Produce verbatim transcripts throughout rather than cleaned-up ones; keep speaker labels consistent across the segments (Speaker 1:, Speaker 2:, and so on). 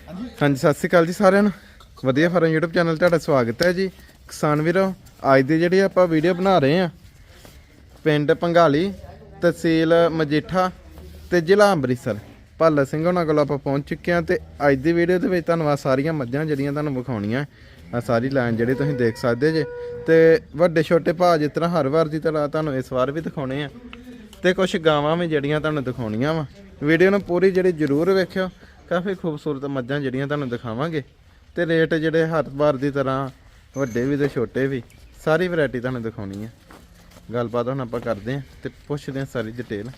Speaker 1: ਹਾਂਜੀ ਸਤਿ ਸ਼੍ਰੀ ਅਕਾਲ ਜੀ ਸਾਰਿਆਂ ਨੂੰ। ਵਧੀਆ ਫਾਰਮ YouTube ਚੈਨਲ ਤੁਹਾਡਾ ਸਵਾਗਤ ਹੈ ਜੀ। ਕਿਸਾਨ ਵੀਰੋ, ਅੱਜ ਦੀ ਜਿਹੜੀ ਆਪਾਂ ਵੀਡੀਓ ਬਣਾ ਰਹੇ ਆ ਪਿੰਡ ਪੰਘਾਲੀ, ਤਹਿਸੀਲ ਮਜੀਠਾ ਤੇ ਜ਼ਿਲ੍ਹਾ ਅੰਮ੍ਰਿਤਸਰ, ਭੱਲਾ ਸਿੰਘ ਉਹਨਾਂ ਕੋਲ ਆਪਾਂ ਪਹੁੰਚ ਚੁੱਕੇ ਹਾਂ। ਤੇ ਅੱਜ ਦੀ ਵੀਡੀਓ ਦੇ ਵਿੱਚ ਤੁਹਾਨੂੰ ਆ ਸਾਰੀਆਂ ਮੱਝਾਂ ਜਿਹੜੀਆਂ ਤੁਹਾਨੂੰ ਵਿਖਾਉਣੀਆਂ, ਆ ਸਾਰੀ ਲਾਈਨ ਜਿਹੜੀ ਤੁਸੀਂ ਦੇਖ ਸਕਦੇ ਜੇ। ਤੇ ਵੱਡੇ ਛੋਟੇ ਭਾਅ ਜਿਸ ਤਰ੍ਹਾਂ ਹਰ ਵਾਰ ਦੀ ਤਰ੍ਹਾਂ ਤੁਹਾਨੂੰ ਇਸ ਵਾਰ ਵੀ ਦਿਖਾਉਣੇ ਆ, ਤੇ ਕੁਝ ਗਾਵਾਂ ਵੀ ਜਿਹੜੀਆਂ ਤੁਹਾਨੂੰ ਦਿਖਾਉਣੀਆਂ ਵਾ। ਵੀਡੀਓ ਨੂੰ ਪੂਰੀ ਜਿਹੜੀ ਜ਼ਰੂਰ ਵੇਖਿਓ, ਕਾਫੀ ਖੂਬਸੂਰਤ ਮੱਝਾਂ ਜਿਹੜੀਆਂ ਤੁਹਾਨੂੰ ਦਿਖਾਵਾਂਗੇ। ਤੇ ਰੇਟ ਜਿਹੜੇ ਹਰ ਵਾਰ ਦੀ ਤਰ੍ਹਾਂ ਵੱਡੇ ਵੀ ਤੇ ਛੋਟੇ ਵੀ, ਸਾਰੀ ਵੈਰਾਈਟੀ ਤੁਹਾਨੂੰ ਦਿਖਾਉਣੀ ਹੈ। ਗੱਲਬਾਤ ਹੁਣ ਆਪਾਂ ਕਰਦੇ ਹਾਂ ਤੇ ਪੁੱਛਦੇ ਹਾਂ ਸਾਰੀ ਡਿਟੇਲ।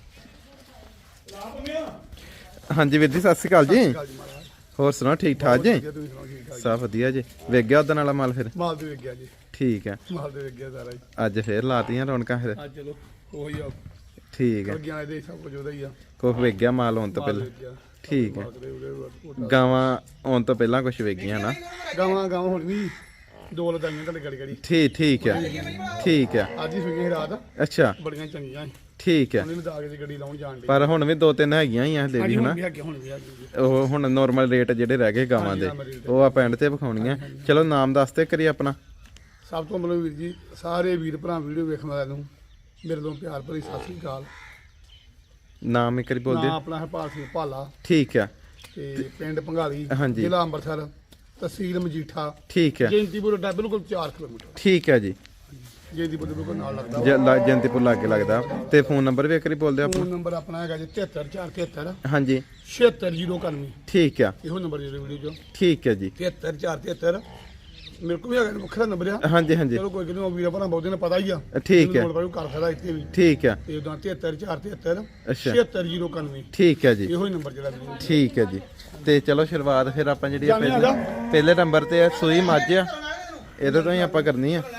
Speaker 1: ਹਾਂਜੀ ਵੀਰ ਜੀ ਸਤਿ ਸ਼੍ਰੀ ਅਕਾਲ ਜੀ। ਹੋਰ ਸੁਣਾਓ, ਠੀਕ ਠਾਕ ਜੀ? ਸਭ ਵਧੀਆ ਜੀ। ਵੇਖ ਗਿਆ ਉਦੋਂ ਵਾਲਾ ਮਾਲ? ਫਿਰ
Speaker 2: ਮਾਲ ਤੇ ਵੇਖ ਗਿਆ ਜੀ।
Speaker 1: ਠੀਕ ਹੈ,
Speaker 2: ਮਾਲ ਤੇ ਵੇਖ ਗਿਆ ਸਾਰਾ ਜੀ।
Speaker 1: ਅੱਜ ਫੇਰ ਲਾਤੀਆਂ ਰੌਣਕਾਂ ਫਿਰ?
Speaker 2: ਅੱਜ ਚਲੋ ਉਹੀ ਆ,
Speaker 1: ਠੀਕ ਹੈ,
Speaker 2: ਲੱਗਿਆ ਇਹਦੇ ਸਭ ਕੁਝ ਉਹਦਾ ਹੀ ਆ।
Speaker 1: ਕੁਛ ਵੇਖ ਗਿਆ ਮਾਲ ਆਉਣ ਤੋਂ ਪਹਿਲਾਂ? ਠੀਕ ਹੈ, ਗਾਵਾਂ ਆਉਣ ਤੋਂ ਪਹਿਲਾਂ ਕੁਛ ਵੇਖ ਗਈਆਂ ਨਾ?
Speaker 2: ਗਾਵਾਂ ਗਾਵਾਂ ਹੁਣ ਵੀ ਦੋ ਲਦਾਈਆਂ ਤੁਹਾਡੇ ਗੜੀ ਗੜੀ।
Speaker 1: ਠੀਕ ਠੀਕ ਹੈ, ਠੀਕ ਹੈ।
Speaker 2: ਅੱਜ ਹੀ ਸੂਈਆਂ ਰਾਤ,
Speaker 1: ਅੱਛਾ,
Speaker 2: ਬੜੀਆਂ ਚੰਗੀਆਂ।
Speaker 1: ਠੀਕ ਹੈ।
Speaker 2: ਉਹਨੇ ਲਦਾ ਕੇ ਗੱਡੀ ਲਾਉਣ ਜਾਣ ਦੀ,
Speaker 1: ਪਰ ਹੁਣ ਵੀ ਦੋ ਤਿੰਨ ਹੈਗੀਆਂ ਹੀ ਆ ਦੇ ਵੀ ਹਨਾ।
Speaker 2: ਹੁਣ ਵੀ ਆ ਗਈ।
Speaker 1: ਉਹ ਹੁਣ ਨੋਰਮਲ ਰੇਟ ਜਿਹੜੇ ਰਹਿ ਗਏ ਗਾਵਾਂ ਦੇ, ਉਹ ਆਪਾਂ ਐਂਡ ਤੇ ਵਿਖਾਉਣੀਆਂ। ਚਲੋ ਨਾਮ ਦੱਸਦੇ ਕਰੀ ਆਪਣਾ।
Speaker 2: ਸਭ ਤੋਂ ਮਤਲਬ ਵੀਰ ਜੀ, ਸਾਰੇ ਵੀਰ ਭਰਾ ਵੀਡੀਓ ਵੇਖਣ ਵਾਲਿਆਂ ਨੂੰ ਮੇਰੇ ਤੋਂ ਪਿਆਰ ਭਰੀ ਸਤਿ ਸ੍ਰੀ ਅਕਾਲ।
Speaker 1: ਨਾਮ ਇੱਕ ਵਾਰੀ ਬੋਲ
Speaker 2: ਨਾਮ
Speaker 1: ਦਿਓ।
Speaker 2: ਆਪਣਾ ਹਰਪਾਲ ਸਿੰਘ ਭਾਲਾ,
Speaker 1: ਠੀਕ ਹੈ।
Speaker 2: ਤੇ ਪਿੰਡ ਪੰਘਾਲੀ,
Speaker 1: ਹਾਂਜੀ।
Speaker 2: ਜ਼ਿਲ੍ਹਾ ਅੰਮ੍ਰਿਤਸਰ, ਤਹਿਸੀਲ ਮਜੀਠਾ,
Speaker 1: ਠੀਕ ਹੈ,
Speaker 2: ਜੈਂਤੀਪੁਰ ਅੱਡਾ ਬਿਲਕੁਲ ਚਾਰ ਕਿਲੋਮੀਟਰ।
Speaker 1: ਠੀਕ ਹੈ ਜੀ।
Speaker 2: ਜੈਂਤੀਪੁਰ ਦੇ ਬਿਲਕੁਲ ਨਾਲ ਲੱਗਦਾ।
Speaker 1: ਜੈਂਤੀਪੁਰ ਲਾਗੇ ਲੱਗਦਾ। ਤੇ ਫੋਨ ਨੰਬਰ ਵੀ ਇੱਕ ਵਾਰੀ ਬੋਲ ਦਿਓ ਆਪਣਾ।
Speaker 2: ਫੋਨ ਨੰਬਰ ਆਪਣਾ ਹੈਗਾ ਜੀ ਤਿਹੱਤਰ ਚਾਰ ਤਿਹੱਤਰ
Speaker 1: ਹਾਂਜੀ,
Speaker 2: ਛਿਹੱਤਰ ਜ਼ੀਰੋ ਇਕਾਨਵੇਂ।
Speaker 1: ਠੀਕ ਹੈ,
Speaker 2: ਇਹੋ ਨੰਬਰ ਜਿਹੜੇ ਵੀਡੀਓ ਚੋਂ
Speaker 1: ਠੀਕ ਹੈ ਜੀ।
Speaker 2: ਤਿਹੱਤਰ ਚਾਰ ਤਿਹੱਤਰ ਮੇਰੇ ਕੋਲ ਵੀ ਹੈਗਾ, ਵੱਖਰਾ ਨੰਬਰ ਆ।
Speaker 1: ਹਾਂਜੀ ਹਾਂਜੀ,
Speaker 2: ਚਲੋ ਕੋਈ ਕਿਤੇ ਵੀਰਾਂ ਭਰਾ ਬਹੁਤੇ ਨੂੰ ਪਤਾ ਹੀ ਆ।
Speaker 1: ਠੀਕ ਹੈ,
Speaker 2: ਮੈਨੂੰ ਕਰ ਸਕਦਾ ਇੱਥੇ ਵੀ।
Speaker 1: ਠੀਕ ਹੈ।
Speaker 2: ਤੇ ਉਦਾਂ ਤਿਹੱਤਰ ਚਾਰ ਤਿਹੱਤਰ
Speaker 1: ਅੱਛਾ,
Speaker 2: ਛਿਹੱਤਰ ਜ਼ੀਰੋ ਇਕਾਨਵੇਂ,
Speaker 1: ਠੀਕ ਹੈ ਜੀ।
Speaker 2: ਇਹੋ ਹੀ ਨੰਬਰ ਜਿਹੜਾ ਵੀਡੀਓ।
Speaker 1: ਠੀਕ ਹੈ ਜੀ। ਤੇ ਚਲੋ ਸ਼ੁਰੂਆਤ ਫਿਰ ਆਪਾਂ ਜਿਹੜੀ ਆ
Speaker 2: ਜਾਂਦੇ ਆ
Speaker 1: ਪਹਿਲੇ ਪਹਿਲੇ ਨੰਬਰ ਤੇ ਆ ਸੂਈ ਮੱਝ ਆ, ਇਹਦੇ ਤੋਂ ਹੀ ਆਪਾਂ ਕਰਨੀ ਆ।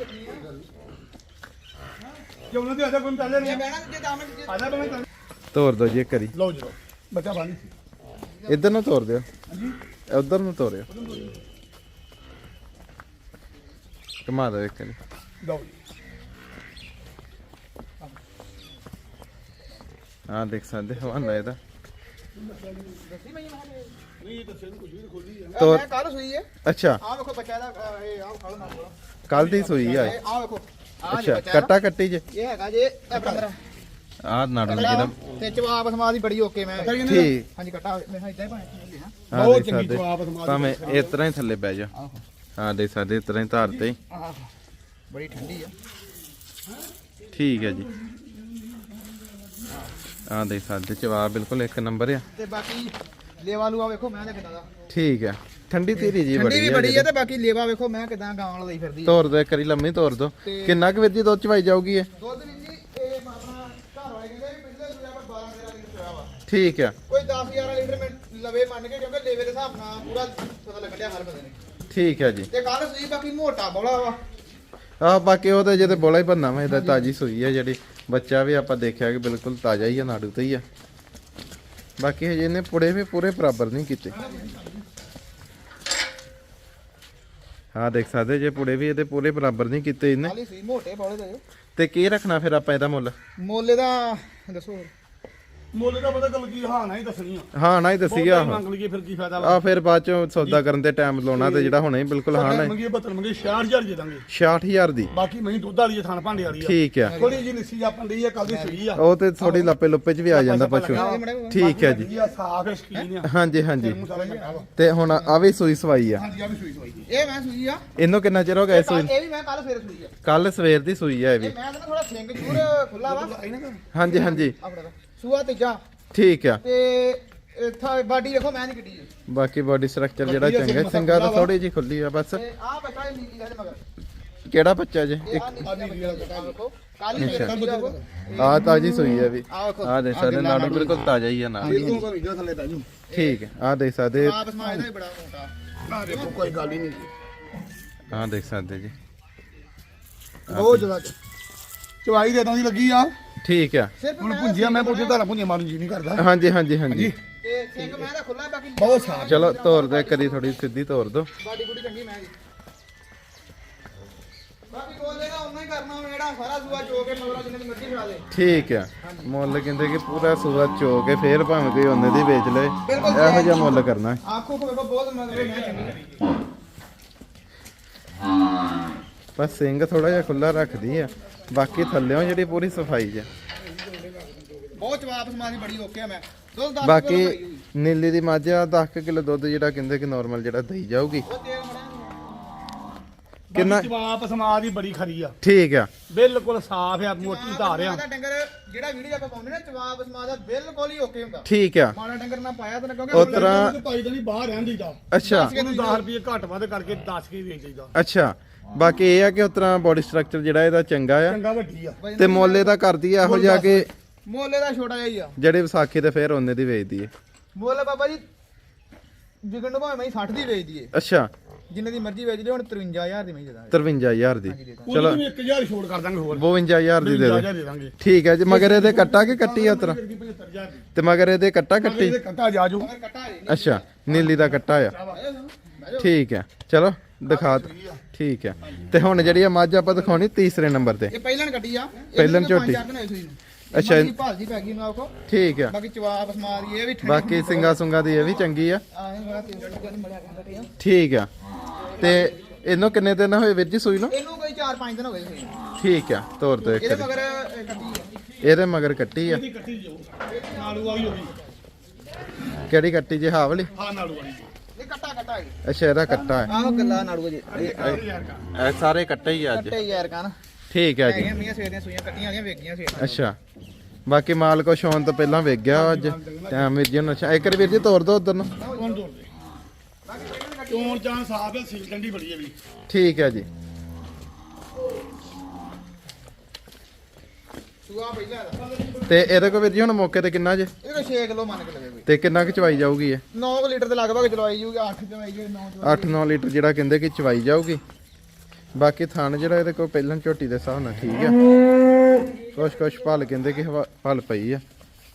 Speaker 2: ਜੇ ਉਹਨਾਂ ਦੇ ਆਦਾ ਕੋਈ ਚੱਲੇ ਨਹੀਂ ਆਦਾ ਬਣਾ ਚੱਲ।
Speaker 1: ਤੋਰ ਦੋ ਜੀ ਇੱਕ ਵਾਰੀ।
Speaker 2: ਲਓ ਜੀ ਲਓ, ਬੱਚਾ ਬਾਣੀ
Speaker 1: ਇੱਧਰ ਨੂੰ ਤੋਰ ਦਿਓ, ਉਧਰ ਨੂੰ ਤੋਰਿਓ, ਘੁਮਾ ਦਿਓ ਇੱਕ ਵਾਰੀ।
Speaker 2: ਲਓ ਜੀ।
Speaker 1: ਹਾਂ ਦੇਖ ਸਕਦੇ ਹਵਾਨਾ ਇਹਦਾ।
Speaker 2: ਨਹੀਂ ਦੱਸੇ ਨੂੰ ਕੁਝ ਵੀ ਖੋਲੀ ਆ।
Speaker 1: ਤੋਰ।
Speaker 3: ਮੈਂ ਕੱਲ ਸੂਈ ਹੈ।
Speaker 1: ਅੱਛਾ,
Speaker 3: ਆਹ ਵੇਖੋ ਬੱਚਾ ਇਹਦਾ, ਇਹ ਆਹ ਖੜ ਨਾ ਕੋਲ।
Speaker 1: ਕੱਲ ਦੀ ਸੂਈ ਆ ਇਹ।
Speaker 3: ਆਹ ਵੇਖੋ, ਆਹ ਜੀ
Speaker 1: ਅੱਛਾ,
Speaker 3: ਬੱਚਾ
Speaker 1: ਕੱਟਾ ਕੱਟੀ ਜੇ।
Speaker 3: ਇਹ ਹੈਗਾ ਜੇ ਇਹ ਪੰਦਰਾਂ
Speaker 1: ਆਹ ਨਾੜੂ ਜਿਹੜਾ।
Speaker 3: ਤੇ ਜਵਾਬ ਸਮਾ ਦੀ ਬੜੀ ਓਕੇ। ਮੈਂ
Speaker 1: ਠੀਕ।
Speaker 3: ਹਾਂਜੀ ਕੱਟਾ ਮੈਂ ਇਦਾਂ ਹੀ ਪਾਇਆ।
Speaker 1: ਹਾਂ
Speaker 2: ਬਹੁਤ
Speaker 1: ਦੇਖ
Speaker 2: ਚੰਗੀ
Speaker 1: ਸਕਦੇ
Speaker 2: ਜਵਾਬ ਸਮਾਜ
Speaker 1: ਭਾਵੇਂ ਇਸ ਤਰ੍ਹਾਂ ਹੀ ਥੱਲੇ ਬਹਿ ਜਾ। ਹਾਂ ਦੇਖ ਸਕਦੇ ਇਸ ਤਰ੍ਹਾਂ ਹੀ ਧਾਰ ਤੇ।
Speaker 3: ਆਹ ਬੜੀ ਠੰਡੀ ਆ।
Speaker 1: ਠੀਕ ਹੈ ਜੀ। ਹਾਂ ਦੇਖ ਸਕਦੇ ਜਵਾਬ ਬਿਲਕੁਲ ਇੱਕ ਨੰਬਰ ਆ।
Speaker 3: ਤੇ ਬਾਕੀ ਲੇਵਾ ਲੂਆ ਵੇਖੋ ਮੈਂ ਤੇ ਕਿਦਾਂ ਦਾ।
Speaker 1: ਠੀਕ ਹੈ, ਠੰਡੀ ਤੇਰੀ ਜੀ
Speaker 3: ਠੰਡੀ
Speaker 1: ਬੜੀ
Speaker 3: ਵੀ
Speaker 1: ਹੈ।
Speaker 3: ਬੜੀ ਆ। ਤੇ ਬਾਕੀ ਲੇਵਾ ਵੇਖੋ ਮੈਂ ਕਿਦਾਂ ਗਾਂ ਵਾਲਾ ਲਈ ਫਿਰਦੀ ਆ।
Speaker 1: ਤੋਰ ਦੋ ਇੱਕ ਵਾਰੀ ਲੰਮੀ ਤੋਰ ਦੋ।
Speaker 3: ਤੇ-
Speaker 1: ਕਿੰਨਾ ਕੁ ਵੀਰ ਜੀ ਦੁੱਧ ਚਵਾਈ ਜਾਊਗੀ ਇਹ?
Speaker 3: ਦੁੱਧ ਵੀ ਜੀ ਇਹ ਆਪਣਾ ਘਰ ਵਾਲੇ ਕਹਿੰਦੇ ਵੀ ਪਹਿਲੇ ਸੂਆ ਪਰ ਬਾਰਾਂ ਤੇਰਾਂ ਲੀਟਰ ਚੋਇਆ ਵਾ।
Speaker 1: ਠੀਕ ਹੈ,
Speaker 3: ਕੋਈ ਦਸ ਗਿਆਰਾਂ ਲੀਟਰ ਮੈਂ ਲਵੇ ਮੰਨ ਕੇ, ਕਿਉਂਕਿ ਲੇਵੇ ਦੇ ਹਿਸਾਬ ਨਾਲ ਪੂਰਾ ਪਤਾ ਲੱਗ ਰਿਹਾ ਹਰ ਬੰਦੇ ਨੇ।
Speaker 1: ਠੀਕ ਹੈ ਜੀ।
Speaker 3: ਤੇ ਕੱਲ ਸੂਈ ਬਾਕੀ ਮੋਟਾ ਬੋਲਾ ਵਾ।
Speaker 1: ਆਹ ਬਾਕੀ ਉਹ ਤਾਂ ਜਿਹਦੇ ਬੋਲਾ ਹੀ ਬੰਨਾ ਵਾ, ਇਹਦਾ ਤਾਜੀ ਸੂਈ ਹੈ ਜਿਹੜੀ। ਬੱਚਾ ਵੀ ਆਪਾਂ ਦੇਖਿਆ ਕਿ ਬਿਲਕੁਲ ਤਾਜ਼ਾ ਹੀ ਆ, ਨਾੜੂ ਤੇ ਹੀ ਆ। ਬਾਕੀ ਹਜੇ ਇਹਨੇ ਪੁੜੇ ਵੀ ਪੂਰੇ ਬਰਾਬਰ ਨਹੀਂ ਕੀਤੇ। ਹਾਂ ਦੇਖ ਸਕਦੇ ਜੇ ਪੁੜੇ ਵੀ ਇਹਦੇ ਪੂਰੇ ਬਰਾਬਰ ਨਹੀਂ ਕੀਤੇ ਇਹਨੇ।
Speaker 3: ਖਾਲੀ ਸੂਈ ਮੋਟੇ ਬੋਲੇ ਦੇ।
Speaker 1: ਤੇ ਕੀ ਰੱਖਣਾ ਫਿਰ ਆਪਾਂ ਇਹਦਾ ਮੁੱਲ?
Speaker 3: ਮੋਲੇ ਦਾ ਦੱਸੋ।
Speaker 2: ਮੁੱਲ ਦਾ ਪਤਾ ਗੱਲ ਕੀ, ਹਾਂ ਨਾ ਹੀ ਦੱਸਣੀ ਆ।
Speaker 1: ਹਾਂ ਨਾ ਹੀ ਦੱਸੀ ਆ।
Speaker 2: ਮੰਗ ਲਈਏ ਫਿਰ ਕੀ ਫਾਇਦਾ
Speaker 1: ਆ ਫਿਰ ਬਾਅਦ ਚੋਂ ਸੌਦਾ ਕਰਨ ਤੇ ਟਾਈਮ ਲਾਉਣਾ, ਤੇ ਜਿਹੜਾ ਹੁਣੇ ਹੀ ਬਿਲਕੁਲ ਹਾਂ ਨਾ।
Speaker 2: ਮੰਗੀਏ ਬਤਨ ਮੰਗੀ ਛਿਆਹਠ ਹਜ਼ਾਰ ਦੇ ਦਾਂਗੇ।
Speaker 1: ਛਿਆਹਠ ਹਜ਼ਾਰ ਦੀ।
Speaker 2: ਬਾਕੀ ਮੈਂ ਦੁੱਧ ਵਾਲੀ ਥਾਣ ਭਾਂਡੇ ਵਾਲੀ ਆ।
Speaker 1: ਠੀਕ ਹੈ,
Speaker 2: ਥੋੜੀ ਜਿਹੀ ਲਿੱਸੀ ਆਪਾਂ ਲਈ ਆ, ਕੱਲ ਦੀ ਸੂਈ ਆ।
Speaker 1: ਉਹ ਤੇ ਥੋੜੀ ਲੱਪੇ ਲੁੱਪੇ ਚ ਵੀ ਆ ਜਾਂਦਾ ਪਸ਼ੂ। ਠੀਕ ਹੈ ਜੀ।
Speaker 2: ਜੀ ਆ ਸਾਫ ਹੈ, ਸ਼ਕੀਨ ਆ।
Speaker 1: ਹਾਂਜੀ ਹਾਂਜੀ।
Speaker 2: ਮੂੰਹ ਸਾਰਾ ਚੰਗਾ ਵਾ।
Speaker 1: ਤੇ ਹੁਣ ਆ ਵੀ ਸੂਈ ਸਵਾਈ ਆ।
Speaker 2: ਹਾਂਜੀ ਆ ਵੀ ਸੂਈ ਸੂਈ ਜੀ।
Speaker 3: ਇਹ ਮੈਂ ਸੂਈ ਆ।
Speaker 1: ਇਹਨੂੰ ਕਿੰਨਾ ਚਿਰ ਹੋ ਗਿਆ ਸੂਈ?
Speaker 3: ਇਹ ਵੀ ਮੈਂ ਕੱਲ ਫੇਰ ਸੂਈ ਆ।
Speaker 1: ਕੱਲ ਸਵੇਰ ਦੀ ਸੂਈ ਆ ਇਹ ਵੀ।
Speaker 3: ਇਹ ਮੈਂ ਕਹਿੰਦਾ ਥੋੜਾ ਸਿੰਘ ਜੂਰ ਖੁੱਲਾ ਵਾ।
Speaker 1: ਹਾਂਜੀ ਹਾਂਜੀ,
Speaker 3: ਆਪਣਾ ਦਾ ਸੂਆ ਤੀਜਾ।
Speaker 1: ਠੀਕ ਆ।
Speaker 3: ਤੇ ਇੱਥਾ ਬਾਡੀ ਵੇਖੋ ਮੈਂ ਨਹੀਂ ਕਿੱਡੀ ਜੀ।
Speaker 1: ਬਾਕੀ ਬਾਡੀ ਸਟਰਕਚਰ ਜਿਹੜਾ ਚੰਗਾ, ਸਿੰਗਾ ਤਾਂ ਥੋੜੀ ਜੀ ਖੁੱਲੀ ਆ ਬਸ।
Speaker 3: ਤੇ ਆਹ ਬੱਚਾ ਇਹ ਨੀਲੀ ਹੈ ਮਗਰ।
Speaker 1: ਕਿਹੜਾ ਬੱਚਾ ਜੇ?
Speaker 3: ਇਹ ਆਹ ਨੀਲੀ ਵਾਲਾ ਬੱਚਾ ਵੇਖੋ। ਕੱਲ ਹੀ ਫੇਰ ਸੂਈ ਆ।
Speaker 1: ਆ ਤਾਜੀ ਸੂਈ ਆ ਵੀ।
Speaker 3: ਆਹ ਵੇਖੋ।
Speaker 1: ਆ ਦੇਖ ਸਕਦੇ ਨਾੜੂ ਬਿਲਕੁਲ ਤਾਜ਼ਾ ਹੀ ਆ ਨਾਲ।
Speaker 2: ਇਹ ਤੂੰ ਘਰ ਜਿਹੜਾ ਥੱਲੇ ਬੈ ਜੂ।
Speaker 1: ਠੀਕ ਹੈ, ਆ ਦੇਖ ਸਕਦੇ।
Speaker 3: ਆਪ ਸਮਾਜ ਦਾ ਵੀ ਬੜਾ ਮੋਟਾ।
Speaker 2: ਆ ਦੇਖੋ ਕੋਈ ਗੱਲ ਹੀ ਨਹੀਂ।
Speaker 1: ਆ ਦੇਖ ਸਕਦੇ ਜੀ।
Speaker 2: ਬਹੁਤ ਜ਼ਿਆਦਾ ਚਵਾਈ ਦੇ ਤਾਂ ਦੀ ਲੱਗੀ ਆ।
Speaker 1: ਠੀਕ ਆ।
Speaker 3: ਸਿਰਫ
Speaker 2: ਹੁਣ
Speaker 3: ਮੈਂ
Speaker 2: ਭੁੰਜੀਆਂ ਮੈਂ ਪੁੱਛੇ ਧਾਰਾ ਭੁੰਜੀਆਂ ਮਾਰਨ ਜੀ ਨਹੀਂ ਕਰਦਾ।
Speaker 1: ਹਾਂਜੀ ਹਾਂਜੀ ਹਾਂਜੀ।
Speaker 3: ਤੇ ਸਿੰਘ ਮੈਂ ਦਾ ਖੁੱਲਾ ਬਾਕੀ
Speaker 2: ਬਹੁਤ ਸਾਫ।
Speaker 1: ਚਲੋ ਤੋਰ ਦੋ ਕਰੀ, ਥੋੜੀ ਸਿੱਧੀ ਤੋਰ ਦੋ।
Speaker 3: ਬਾਡੀ ਬੁੜੀ ਚੰਗੀ ਮੈਂ ਦੀ। ਬਾਕੀ ਬੋਲੇ ਦਾ ਉਹਨਾਂ ਹੀ ਕਰਨਾ ਹੁਣ ਜਿਹੜਾ ਸਾਰਾ ਸੂਆ ਚੋ ਕੇ ਮਗਰਾ ਜਿੰਨੇ ਦੀ ਮਰਜ਼ੀ ਖਾ ਲੇ
Speaker 1: ਠੀਕ ਆ ਮੁੱਲ ਕਹਿੰਦੇ ਕਿ ਪੂਰਾ ਸੂਆ ਚੋ ਕੇ ਫੇਰ ਭਾਵੇਂ ਕੋਈ ਉਹਨੇ ਦੀ ਵੇਚ ਲਏ
Speaker 3: ਬਿਲਕੁਲ
Speaker 1: ਇਹੋ ਜਿਹਾ ਮੁੱਲ ਕਰਨਾ ਹੈ।
Speaker 3: ਆਖੋ ਕੋ ਵੇਖੋ ਬਹੁਤ ਮਗਰੇ ਮੈਂ ਚੰਗੀ
Speaker 1: ਬਸ ਸਿੰਘ ਥੋੜਾ ਜਿਹਾ ਖੁੱਲਾ ਰੱਖਦੀ ਆ ਬਾਕੀ ਥੱਲਿਓਂ ਜਿਹੜੀ ਪੂਰੀ ਸਫਾਈ ਜੇ
Speaker 3: ਬਹੁਤ ਜਵਾਬ ਸਮਾਦੀ ਬੜੀ ਓਕੇ ਆ ਮੈਂ ਦੁੱਧ ਦਸ
Speaker 1: ਬਾਕੀ ਨੀਲੀ ਦੀ ਮੱਝ ਆ ਦਸ ਕਿਲੋ ਦੁੱਧ ਜਿਹੜਾ ਕਹਿੰਦੇ ਕਿ ਨਾਰਮਲ ਜਿਹੜਾ ਦਈ ਜਾਊਗੀ
Speaker 3: ਉਹ ਤੇਲ ਮੜਾ
Speaker 1: ਕਿੰਨਾ
Speaker 2: ਜਵਾਬ ਸਮਾਦ ਹੀ ਬੜੀ ਖਰੀ ਆ
Speaker 1: ਠੀਕ ਆ
Speaker 2: ਬਿਲਕੁਲ ਸਾਫ਼ ਆ ਮੋਟੀ ਧਾਰ ਆ
Speaker 3: ਦਾ ਡੰਗਰ ਜਿਹੜਾ ਵੀਡੀਓ ਆਪਾਂ ਪਾਉਂਦੇ ਨਾ ਜਵਾਬ ਸਮਾਦ ਦਾ ਬਿਲਕੁਲ ਹੀ ਓਕੇ ਹੁੰਦਾ
Speaker 1: ਠੀਕ ਆ
Speaker 3: ਮਾੜਾ ਡੰਗਰ ਨਾ ਪਾਇਆ ਤਾਂ ਕਿਉਂਕਿ
Speaker 1: ਉਹ ਤਰ੍ਹਾਂ
Speaker 2: ਭਾਈ ਤਾਂ ਨਹੀਂ ਬਾਹਰ ਰਹਿੰਦੀ ਦਾ
Speaker 1: ਅੱਛਾ
Speaker 2: ਉਹਨੂੰ ਦਸ ਰੁਪਏ ਘੱਟ ਵੱਧ ਕਰਕੇ ਦਸ ਕੇ ਵੇਚ ਦਈਦਾ
Speaker 1: ਅੱਛਾ ਬਾਕੀ ਇਹ ਆ ਕਿ ਉਸ ਤਰ੍ਹਾਂ ਬੋਡੀ ਸਟਰਕਚਰ ਜਿਹੜਾ ਇਹਦਾ ਚੰਗਾ ਆ
Speaker 2: ਚੰਗਾ ਵੱਡੀ ਆ
Speaker 1: ਤੇ ਮੁੱਲ ਇਹਦਾ ਕਰਦੀ ਆ ਇਹੋ ਜਿਹਾ ਕਿ
Speaker 3: ਮੋਲੇ ਦਾ ਛੋਟਾ ਜਿਹਾ ਹੀ ਆ
Speaker 1: ਜਿਹੜੇ ਵਿਸਾਖੀ ਤੇ ਫੇਰ ਉਹਨੇ ਦੀ ਵੇਚਦੀ ਏ
Speaker 3: ਮੋਲੇ ਬਾਬਾ ਜੀ ਜਿਗਣ ਨੂੰ ਭਾਵੇਂ ਮੈਂ ਸੱਠ ਦੀ ਵੇਚ ਦਈਏ
Speaker 1: ਅੱਛਾ
Speaker 3: ਜਿੰਨੇ ਦੀ ਮਰਜ਼ੀ ਵੇਚ ਲਿਓ ਹੁਣ ਤਰਵੰਜਾ ਹਜ਼ਾਰ ਦੀ ਮੈਂ ਦੇ ਦਾਂਗੇ
Speaker 1: ਤਰਵੰਜਾ ਹਜ਼ਾਰ ਦੀ
Speaker 2: ਚਲੋ
Speaker 1: ਚਲੋ
Speaker 2: ਇੱਕ ਹਜ਼ਾਰ ਛੋੜ ਕਰ ਦਾਂਗੇ ਹੋਰ
Speaker 1: ਬਵੰਜਾ ਹਜ਼ਾਰ ਦੀ ਦੇ ਦੇ
Speaker 2: ਦੇ ਦਾਂਗੇ
Speaker 1: ਠੀਕ ਹੈ ਜੀ ਮਗਰ ਇਹਦੇ ਕੱਟਾ ਕਿ ਕੱਟੀ ਆ ਉਤਰਾ
Speaker 2: ਪਝੱਤਰ ਹਜ਼ਾਰ ਦੀ
Speaker 1: ਤੇ ਮਗਰ ਇਹਦੇ ਕੱਟਾ ਕੱਟੀ
Speaker 2: ਇਹਦੇ ਕੱਟਾ ਜਾ ਜੂ
Speaker 3: ਅਗਰ ਕੱਟਾ ਹੈ
Speaker 1: ਅੱਛਾ ਨੀਲੀ ਦਾ ਕੱਟਾ ਆ ਠੀਕ ਹੈ ਚਲੋ ਦਿਖਾ ਦਿਓ। ਠੀਕ ਹੈ ਤੇ ਹੁਣ ਜਿਹੜੀ ਆ ਮੱਝ ਆਪਾਂ ਦਿਖਾਉਣੀ ਤੀਸਰੇ ਨੰਬਰ ਤੇ
Speaker 3: ਇਹ ਪਹਿਲਾਂ ਕੱਟੀ ਆ
Speaker 1: ਪਹਿਲਾਂ ਝੋਟੀ। ਅੱਛਾ।
Speaker 3: ਅੱਛਾ ਭਾਲਦੀ ਪੈ ਗਈ ਨਾ ਆਖੋ
Speaker 1: ਠੀਕ ਆ
Speaker 3: ਬਾਕੀ ਜਵਾਬ ਸਮਾਦੀ ਇਹ ਵੀ ਠੰਡੀ
Speaker 1: ਬਾਕੀ ਸਿੰਗਾ ਸੁੰਗਾ ਦੀ ਇਹ ਵੀ ਚੰਗੀ ਆ
Speaker 3: ਆਏ ਬੜਾ ਤੇਲ ਜਨ ਮੜਿਆ ਕਹਿੰਦਾ ਤੇ ਆ
Speaker 1: ਠੀਕ ਆ ਤੇ ਇਹਨੂੰ ਕਿੰਨੇ ਦਿਨ ਹੋਏ ਵੀਰ ਜੀ ਸੂਈ ਨੂੰ
Speaker 3: ਇਹਨੂੰ ਕੋਈ ਚਾਰ ਪੰਜ ਦਿਨ ਹੋ ਗਏ ਸੀ
Speaker 1: ਠੀਕ ਆ ਤੋਰ ਦੋ ਇੱਕ
Speaker 3: ਇਹਦੇ
Speaker 1: ਵਾਰੀ।
Speaker 3: ਮਗਰ ਇਹ ਕੱਟੀ ਆ
Speaker 1: ਇਹਦੇ ਮਗਰ ਕੱਟੀ ਆ
Speaker 2: ਇਹਦੀ ਕੱਟੀ ਜਾਊ ਨਾਲੂ ਵਾਲੀ ਹੋ ਗਈ
Speaker 1: ਕਿਹੜੀ ਕੱਟੀ ਜੇ ਹਾਵ ਵਾਲੀ
Speaker 2: ਹਾਂ ਨਾਲੂ ਵਾਲੀ
Speaker 3: ਇਹ ਕੱਟਾ ਕੱਟਾ ਹੈ
Speaker 1: ਅੱਛਾ ਇਹਦਾ ਕੱਟਾ ਹੈ
Speaker 3: ਆਹੋ ਗੱਲਾਂ ਨਾੜੂ ਜੀ
Speaker 1: ਇਹ ਸਾਰੇ ਕੱਟੇ ਹੀ ਆ ਅੱਜ
Speaker 3: ਕੱਟੇ ਯਾਰ ਕਨ
Speaker 1: ਠੀਕ ਹੈ ਜੀ
Speaker 3: ਹੈਗੀਆਂ ਮੀਆਂ ਸਵੇਰ ਦੀਆਂ ਸੂਈਆਂ ਕੱਟੀਆਂ ਵਾਲੀਆਂ ਵੇਗੀਆਂ ਸਵੇਰ
Speaker 1: ਅੱਛਾ ਬਾਕੀ ਮਾਲ ਕੋ ਸ਼ੌਨ ਤੋਂ ਪਹਿਲਾਂ ਵੇਖ ਗਿਆ ਅੱਜ ਟਾਈਮ ਵੀਰ ਜੀ ਨੂੰ ਅੱਛਾ ਇੱਕ ਵਾਰੀ ਵੀਰ ਜੀ ਤੋਰ ਦੋ ਉਧਰ ਨੂੰ
Speaker 2: ਕੌਣ ਤੋੜ ਦੇ ਚੋਣ ਚਾਂ ਸਾਫ ਹੈ ਸੀਲ ਕੰਡੀ ਬੜੀ ਹੈ ਵੀ
Speaker 1: ਠੀਕ ਹੈ ਜੀ
Speaker 3: ਸੂਆ ਪਹਿਲਾਂ ਦਾ
Speaker 1: ਤੇ ਇਹਦੇ ਕੋ ਵੀਰ ਜੀ ਹੁਣ ਮੌਕੇ ਤੇ ਕਿੰਨਾ ਜੇ
Speaker 3: ਇਹ ਕੋਈ ਛੇ ਕਿਲੋ ਮੰਨ ਕੇ ਲਵੇ ਕੋਈ
Speaker 1: ਤੇ ਕਿੰਨਾ ਕੁ ਚਵਾਈ ਜਾਊਗੀ ਇਹ
Speaker 3: ਨੌ ਲੀਟਰ ਦੇ ਲਗਭਗ ਚਲਵਾਈ ਜੂਗੀ ਅੱਠ ਚਵਾਈ ਜੂਗੀ ਨੌ
Speaker 1: ਅੱਠ ਨੌ ਲੀਟਰ ਜਿਹੜਾ ਕਹਿੰਦੇ ਕਿ ਚਵਾਈ ਜਾਊਗੀ ਬਾਕੀ ਥਣ ਜਿਹੜਾ ਇਹਦੇ ਕੋਲ ਪਹਿਲਾਂ ਝੋਟੀ ਦੇ ਹਿਸਾਬ ਨਾਲ ਠੀਕ ਆ ਕੁਛ ਕੁਛ ਭਲ ਕਹਿੰਦੇ ਕਿ ਹਵਾ- ਭਲ ਪਈ ਆ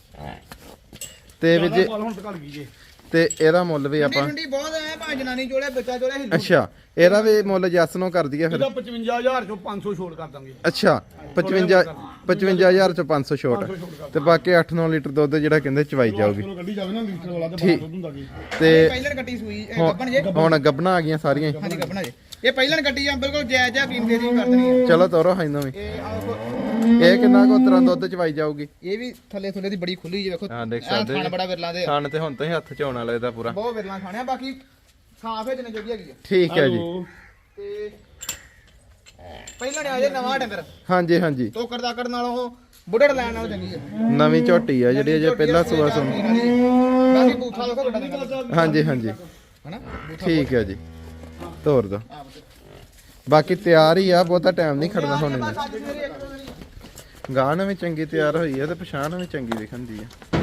Speaker 1: ਤੇ ਵੀਰ ਜੀ
Speaker 2: ਹੁਣ ਤੱਕ ਗਈ ਜੇ
Speaker 1: ਤੇ ਇਹਦਾ ਮੁੱਲ ਵੀ ਆਪਾਂ
Speaker 3: ਠੰਡੀ ਬਹੁਤ ਐ ਭਾਵੇਂ ਜਨਾਨੀ ਚੋਲੇ ਬੱਚਾ ਚੋਲੇ ਹਿੱਲੂ
Speaker 1: ਅੱਛਾ ਇਹਦਾ ਵੀ ਮੁੱਲ ਜੱਸ ਨੂੰ ਕਰ ਦਈਏ ਫਿਰ
Speaker 2: ਇਹਦਾ ਪਚਵੰਜਾ ਹਜ਼ਾਰ ਚੋਂ ਪੰਜ ਸੌ ਛੋੜ ਕਰ ਦਾਂਗੇ
Speaker 1: ਅੱਛਾ ਪਚਵੰਜਾ ਪਚਵੰਜਾ ਹਜ਼ਾਰ ਚੋਂ ਪੰਜ ਸੌ ਛੋਟ ਤੇ ਬਾਕੀ ਅੱਠ ਨੌ ਲੀਟਰ ਦੁੱਧ ਜਿਹੜਾ ਕਹਿੰਦੇ ਚਵਾਈ ਜਾਊਗੀ
Speaker 2: ਚਲੋ ਗੱਡੀ ਜਾਵੇ ਨਾ ਲੀਟਰ ਵਾਲਾ ਤੇ
Speaker 1: ਠੀਕ।
Speaker 2: ਬਾਹਰ ਦੁੱਧ ਹੁੰਦਾ ਜੀ
Speaker 1: ਤੇ
Speaker 3: ਪਹਿਲਾਂ ਕੱਟੀ ਸੂਈ ਇਹ
Speaker 1: ਹੁਣ-
Speaker 3: ਗੱਬਣ ਜੇ
Speaker 1: ਹੁਣ ਗੱਬਣਾ ਆ ਗਈਆਂ ਸਾਰੀਆਂ ਹੀ।
Speaker 3: ਹਾਂਜੀ ਗੱਬਣਾ ਜੇ ਇਹ ਪਹਿਲਾਂ ਕੱਟੀ ਆ ਬਿਲਕੁਲ ਜਾਇਜ਼ ਆ ਕੀਮਤ ਦੀ ਕਰ ਦੇਣੀ ਆ
Speaker 1: ਚਲੋ ਤੋਰੋ ਹਾਂ ਵੀ
Speaker 3: ਇਹ ਆਓ
Speaker 1: ਇਹ ਕਿੰਨਾ ਕੁ ਉਤਰਾਂ ਦੁੱਧ ਚਵਾਈ ਜਾਊਗੀ
Speaker 3: ਇਹ ਵੀ ਥੱਲੇ ਥੱਲੇ ਦੀ ਬੜੀ ਖੁੱਲੀ ਜੀ ਵੇਖੋ
Speaker 1: ਹਾਂ, ਦੇਖ
Speaker 3: ਐਂ
Speaker 1: ਸਕਦੇ
Speaker 3: ਥਣ
Speaker 1: ਜੀ।
Speaker 3: ਬੜਾ ਵਿਰਲਾ ਦੇ ਆ।
Speaker 1: ਥਣ ਤੇ ਹੁਣ ਤੋਂ ਹੀ ਹੱਥ ਝਾਉਣ ਵਾਲਾ ਇਹਦਾ ਪੂਰਾ
Speaker 3: ਬਹੁਤ ਵਿਰਲਾ ਖਾਣਿਆ ਬਾਕੀ ਸਾਫ ਹੈ ਜਿੰਨੇ ਜੋਗੀ ਹੈਗੀ ਆ
Speaker 1: ਠੀਕ ਹੈ ਜੀ
Speaker 2: ਹੈਲੋ।
Speaker 3: ਤੇ ਪਹਿਲਾਂ ਨੇ ਆ ਜੇ ਨਵਾਂ ਡੰਗਰ
Speaker 1: ਹਾਂਜੀ ਹਾਂਜੀ
Speaker 3: ਤੋਕੜ ਦਾਕੜ ਨਾਲੋਂ ਬੁੱਢੜ ਲੈਣ ਨਾਲੋਂ ਚੰਗੀ ਆ
Speaker 1: ਨਵੀਂ ਝੋਟੀ ਆ ਜਿਹੜੀ ਅਜੇ ਪਹਿਲਾ ਸੂਆ ਸੁਣ
Speaker 3: ਬਾਕੀ ਬੂਥਾ ਦੇਖੋ ਵੱਡਾ ਡੰਗਰ
Speaker 1: ਹਾਂਜੀ ਹਾਂਜੀ
Speaker 3: ਹਨਾ ਬੂਥਾ
Speaker 1: ਠੀਕ ਹੈ ਜੀ ਤੋਰ ਦੋ ਬਾਕੀ ਤਿਆਰ ਹੀ ਆ ਬਹੁਤਾ ਟਾਈਮ ਨਹੀਂ ਖੜਨਾ ਹੁਣ ਇਹਨੇ
Speaker 3: ਬਸ ਅੱਜ ਸਵੇਰੇ ਇੱਕ ਦੋ ਦਿਨ
Speaker 1: ਗਾਣ ਵੀ ਚੰਗੀ ਤਿਆਰ ਹੋਈ ਆ ਤੇ ਪਛਾਣ ਵੀ ਚੰਗੀ ਦਿਖਣਦੀ ਆ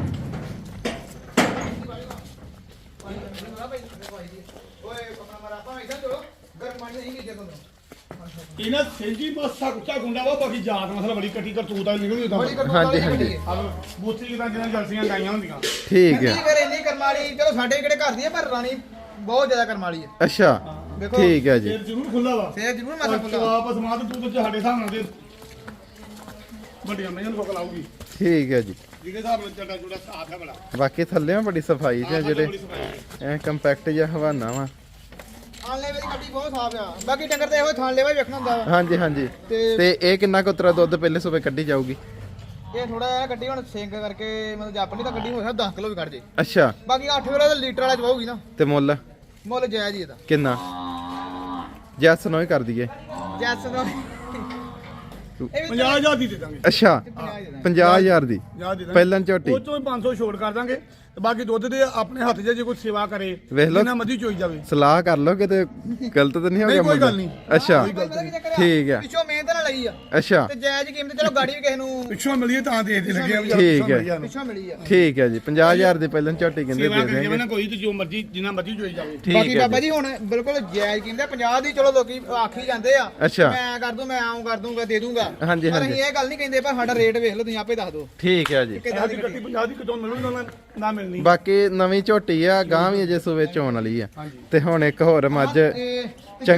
Speaker 3: ਓਏ ਆਪਣਾ ਮਰਾ ਆਪਾਂ ਇਦਾਂ ਚਲੋ ਗਰਮ ਪਾਣੀ ਨਹੀਂ ਕੀਤੇ ਤੁਹਾਨੂੰ
Speaker 2: ਇਹਨਾਂ ਸੇਂਜੀ ਮਸਾ ਕੁੱਚਾ ਗੁੰਡਾ ਵਾ ਬਾਕੀ ਜਾਤ ਮਸਲਾ ਬੜੀ ਕੱਟੀ ਕਰਤੂਤ ਆ ਨਿਕਲੀ ਤਾਂ
Speaker 3: ਬੜੀ ਕਰਤੂਤ
Speaker 1: ਹਾਂਜੀ,
Speaker 3: ਵਾਲੀ
Speaker 1: ਹਾਂਜੀ।
Speaker 3: ਕੱਟੀ ਹੈ।
Speaker 2: ਬੂਥੀ ਕਿਦਾਂ ਜਿਹਨਾਂ ਜਲਸੀਆਂ ਗਾਈਆਂ ਹੁੰਦੀਆਂ
Speaker 1: ਠੀਕ
Speaker 3: ਨਹੀਂ
Speaker 1: ਹੈ
Speaker 3: ਕਰ ਇੰਨੀ ਕਰਮਾਲੀ ਚਲੋ ਸਾਡੇ ਕਿਹੜੇ ਘਰ ਦੀ ਹੈ ਪਰ ਰਾਣੀ ਬਹੁਤ ਜ਼ਿਆਦਾ ਕਰਮਾਲੀ ਹੈ
Speaker 1: ਅੱਛਾ
Speaker 3: ਦੇਖੋ
Speaker 1: ਠੀਕ ਹੈ ਜੀ
Speaker 2: ਫੇਰ ਜ਼ਰੂਰ ਖੁੱਲਾ ਵਾ
Speaker 3: ਫੇਰ ਜ਼ਰੂਰ ਮਾਸਾ
Speaker 2: ਤੂੰ
Speaker 3: ਖੁੱਲਾ
Speaker 2: ਆਪਸ ਮਾਤ ਤੂੰ ਤੇ ਸਾਡੇ ਹਿਸਾਬ ਨਾਲ ਦੇ ਵੱਡੀਆਂ ਮਈਆਂ ਨੂੰ ਫੋਕ ਲਾਊਗੀ
Speaker 1: ਠੀਕ ਹੈ ਜੀ
Speaker 2: ਜਿਹਦੇ ਹਿਸਾਬ ਨਾਲ ਚੱਡਾ ਜੁੜਾ ਸਾਫ ਹੈ ਬੜਾ
Speaker 1: ਬਾਕੀ ਥੱਲੇੋਂ ਬੜੀ ਸਫਾਈ ਚ ਆ ਜਿਹੜੇ
Speaker 2: ਬੜੀ ਸਫਾਈ ਹੈ।
Speaker 1: ਐ ਕੰਪੈਕਟ ਜਿਹਾ ਹਵਾਨਾ ਵਾ
Speaker 3: ਆਨਲੇ ਵਾਲੀ ਗੱਡੀ ਬਹੁਤ ਸਾਫ ਆ ਬਾਕੀ ਡੰਗਰ ਤੇ ਇਹੋ ਥਾਣ ਲੈਵਾ ਵੇਖਣਾ ਹੁੰਦਾ ਵਾ
Speaker 1: ਹਾਂਜੀ ਹਾਂਜੀ
Speaker 3: ਤੇ
Speaker 1: ਤੇ ਇਹ ਕਿੰਨਾ ਕੁ ਉਤਰਾ ਦੁੱਧ ਪਹਿਲੇ ਸੂਬੇ ਕੱਢੀ ਜਾਊਗੀ
Speaker 3: ਇਹ ਥੋੜਾ ਜਿਹਾ ਗੱਡੀ ਹੁਣ ਸਿੰਕ ਕਰਕੇ ਮਤਲਬ ਜਾਪਣੀ ਤਾਂ ਗੱਡੀ ਹੋ ਸਕਦਾ ਦਸ ਕਿਲੋ ਵੀ ਕੱਢ ਜੇ
Speaker 1: ਅੱਛਾ
Speaker 3: ਬਾਕੀ ਅੱਠ ਕਿਲੋ ਦਾ ਲੀਟਰ ਵਾਲਾ ਚਵਾਉਗੀ ਨਾ
Speaker 1: ਤੇ ਮੁੱਲ
Speaker 3: ਮੁੱਲ ਜਾਇਜ਼ ਹੀ ਇਹਦਾ
Speaker 1: ਕਿੰਨਾ ਜੈਸ ਨੂੰ ਹੀ ਕਰ ਦਈਏ
Speaker 3: ਜੈਸ ਦਾ ਇਹ ਵੀ
Speaker 2: ਪੰਜਾਹ ਹਜ਼ਾਰ ਦੀ ਦੇ ਦਾਂਗੇ
Speaker 1: ਅੱਛਾ
Speaker 3: ਪੰਜਾਹ ਦੇ ਦਾਂਗੇ।
Speaker 1: ਪੰਜਾਹ ਹਜ਼ਾਰ ਦੀ
Speaker 2: ਪੰਜਾਹ ਦੇ ਦਾਂਗੇ
Speaker 1: ਪਹਿਲਾਂ ਝੋਟੀ
Speaker 2: ਉਹ ਚੋਂ ਹੀ ਪੰਜ ਸੌ ਛੋੜ ਕਰ ਦਾਂਗੇ ਤੇ ਬਾਕੀ ਦੁੱਧ ਦੇ ਆਪਣੇ ਹੱਥ 'ਚ ਜੇ ਕੋਈ ਸੇਵਾ ਕਰੇ
Speaker 1: ਵੇਖ ਲਓ।
Speaker 2: ਜਿੰਨਾ ਮਰਜ਼ੀ ਚੋਈ ਜਾਵੇ
Speaker 1: ਸਲਾਹ ਕਰ ਲਓ ਕਿਤੇ ਗਲਤ ਤਾਂ ਨਹੀਂ ਹੋ
Speaker 2: ਨਹੀਂ,
Speaker 1: ਗਿਆ
Speaker 2: ਕੋਈ
Speaker 1: ਮੁੱਲ?
Speaker 2: ਗੱਲ ਨਹੀਂ।
Speaker 1: ਅੱਛਾ
Speaker 3: ਕੋਈ ਪਤਾ ਕੀ ਚੱਕਰ ਆ?
Speaker 1: ਠੀਕ ਆ।
Speaker 3: ਪਿੱਛੋਂ ਮਿਹਨਤ ਨਾਲ ਲਈ ਆ
Speaker 1: ਅੱਛਾ
Speaker 3: ਤੇ ਜਾਇਜ਼ ਕੀਮਤ ਚਲੋ ਗਾੜੀ ਵੀ ਕਿਸੇ ਨੂੰ
Speaker 2: ਪਿੱਛੋਂ ਮਿਲੀਏ ਤਾਂ ਦੇ ਦੇ ਲੱਗੇ ਆ ਵੀ ਚੱਲ
Speaker 1: ਠੀਕ
Speaker 2: ਪਿੱਛੋਂ
Speaker 1: ਹੈ।
Speaker 2: ਮਿਲ ਜਾਣ।
Speaker 3: ਪਿੱਛੋਂ ਮਿਲੀ ਆ
Speaker 1: ਠੀਕ ਹੈ ਜੀ ਪੰਜਾਹ ਹਜ਼ਾਰ ਦੀ ਪਹਿਲਾਂ ਝੋਟੀ ਕਹਿੰਦੇ
Speaker 2: ਸੇਵਾ
Speaker 1: ਦੇ
Speaker 2: ਕਰੀ ਜਾਵੇ
Speaker 1: ਦੇਣਗੇ
Speaker 2: ਨਾ ਕੋਈ ਤੇ ਜੋ ਮਰਜ਼ੀ ਜਿੰਨਾ ਮਰਜ਼ੀ ਚੋਈ ਜਾਵੇ
Speaker 1: ਠੀਕ
Speaker 3: ਬਾਕੀ
Speaker 1: ਹੈ
Speaker 3: ਬਾਬਾ
Speaker 1: ਜੀ
Speaker 3: ਜੀ ਹੁਣ ਬਿਲਕੁਲ ਜਾਇਜ਼ ਕੀਮਤ ਆ ਪੰਜਾਹ ਦੀ ਚਲੋ ਲੋਕੀ ਆਖੀ ਜਾਂਦੇ ਆ
Speaker 1: ਅੱਛਾ।
Speaker 3: ਮੈਂ ਕਰ ਦੂੰ ਮੈਂ ਆਉਂ ਕਰ ਦੂੰਗਾ ਦੇ ਦੂੰਗਾ
Speaker 1: ਹਾਂਜੀ,
Speaker 3: ਪਰ
Speaker 1: ਹਾਂਜੀ।
Speaker 3: ਅਸੀਂ ਇਹ ਗੱਲ ਨਹੀਂ ਕਹਿੰਦੇ ਪਰ ਸਾਡਾ ਰੇਟ ਵੇਖ ਲਓ ਤੁਸੀਂ ਆਪੇ ਦੱਸ ਦਿਓ
Speaker 1: ਠੀਕ ਹੈ ਜੀ
Speaker 3: ਕਿੱਦਾਂ
Speaker 2: ਅੱਜ
Speaker 3: ਦੀ
Speaker 2: ਕੱਟੀ ਪੰਜਾਹ ਦੀ ਕਿਤੋਂ ਮਿਲੂਗੀ ਨਾ ਨਾ ਮਿਲਣੀ
Speaker 1: ਬਾਕੀ ਨਵੀਂ ਝੋਟੀ ਆ ਗਾਂ ਵੀ ਅਜੇ ਸੂਵੇ ਚ ਆਉਣ ਵਾਲੀ ਆ
Speaker 2: ਹਾਂਜੀ
Speaker 1: ਤੇ ਹੁਣ ਇੱਕ ਹੋਰ ਮੱਝ
Speaker 3: ਇਹ
Speaker 1: ਚੰਗ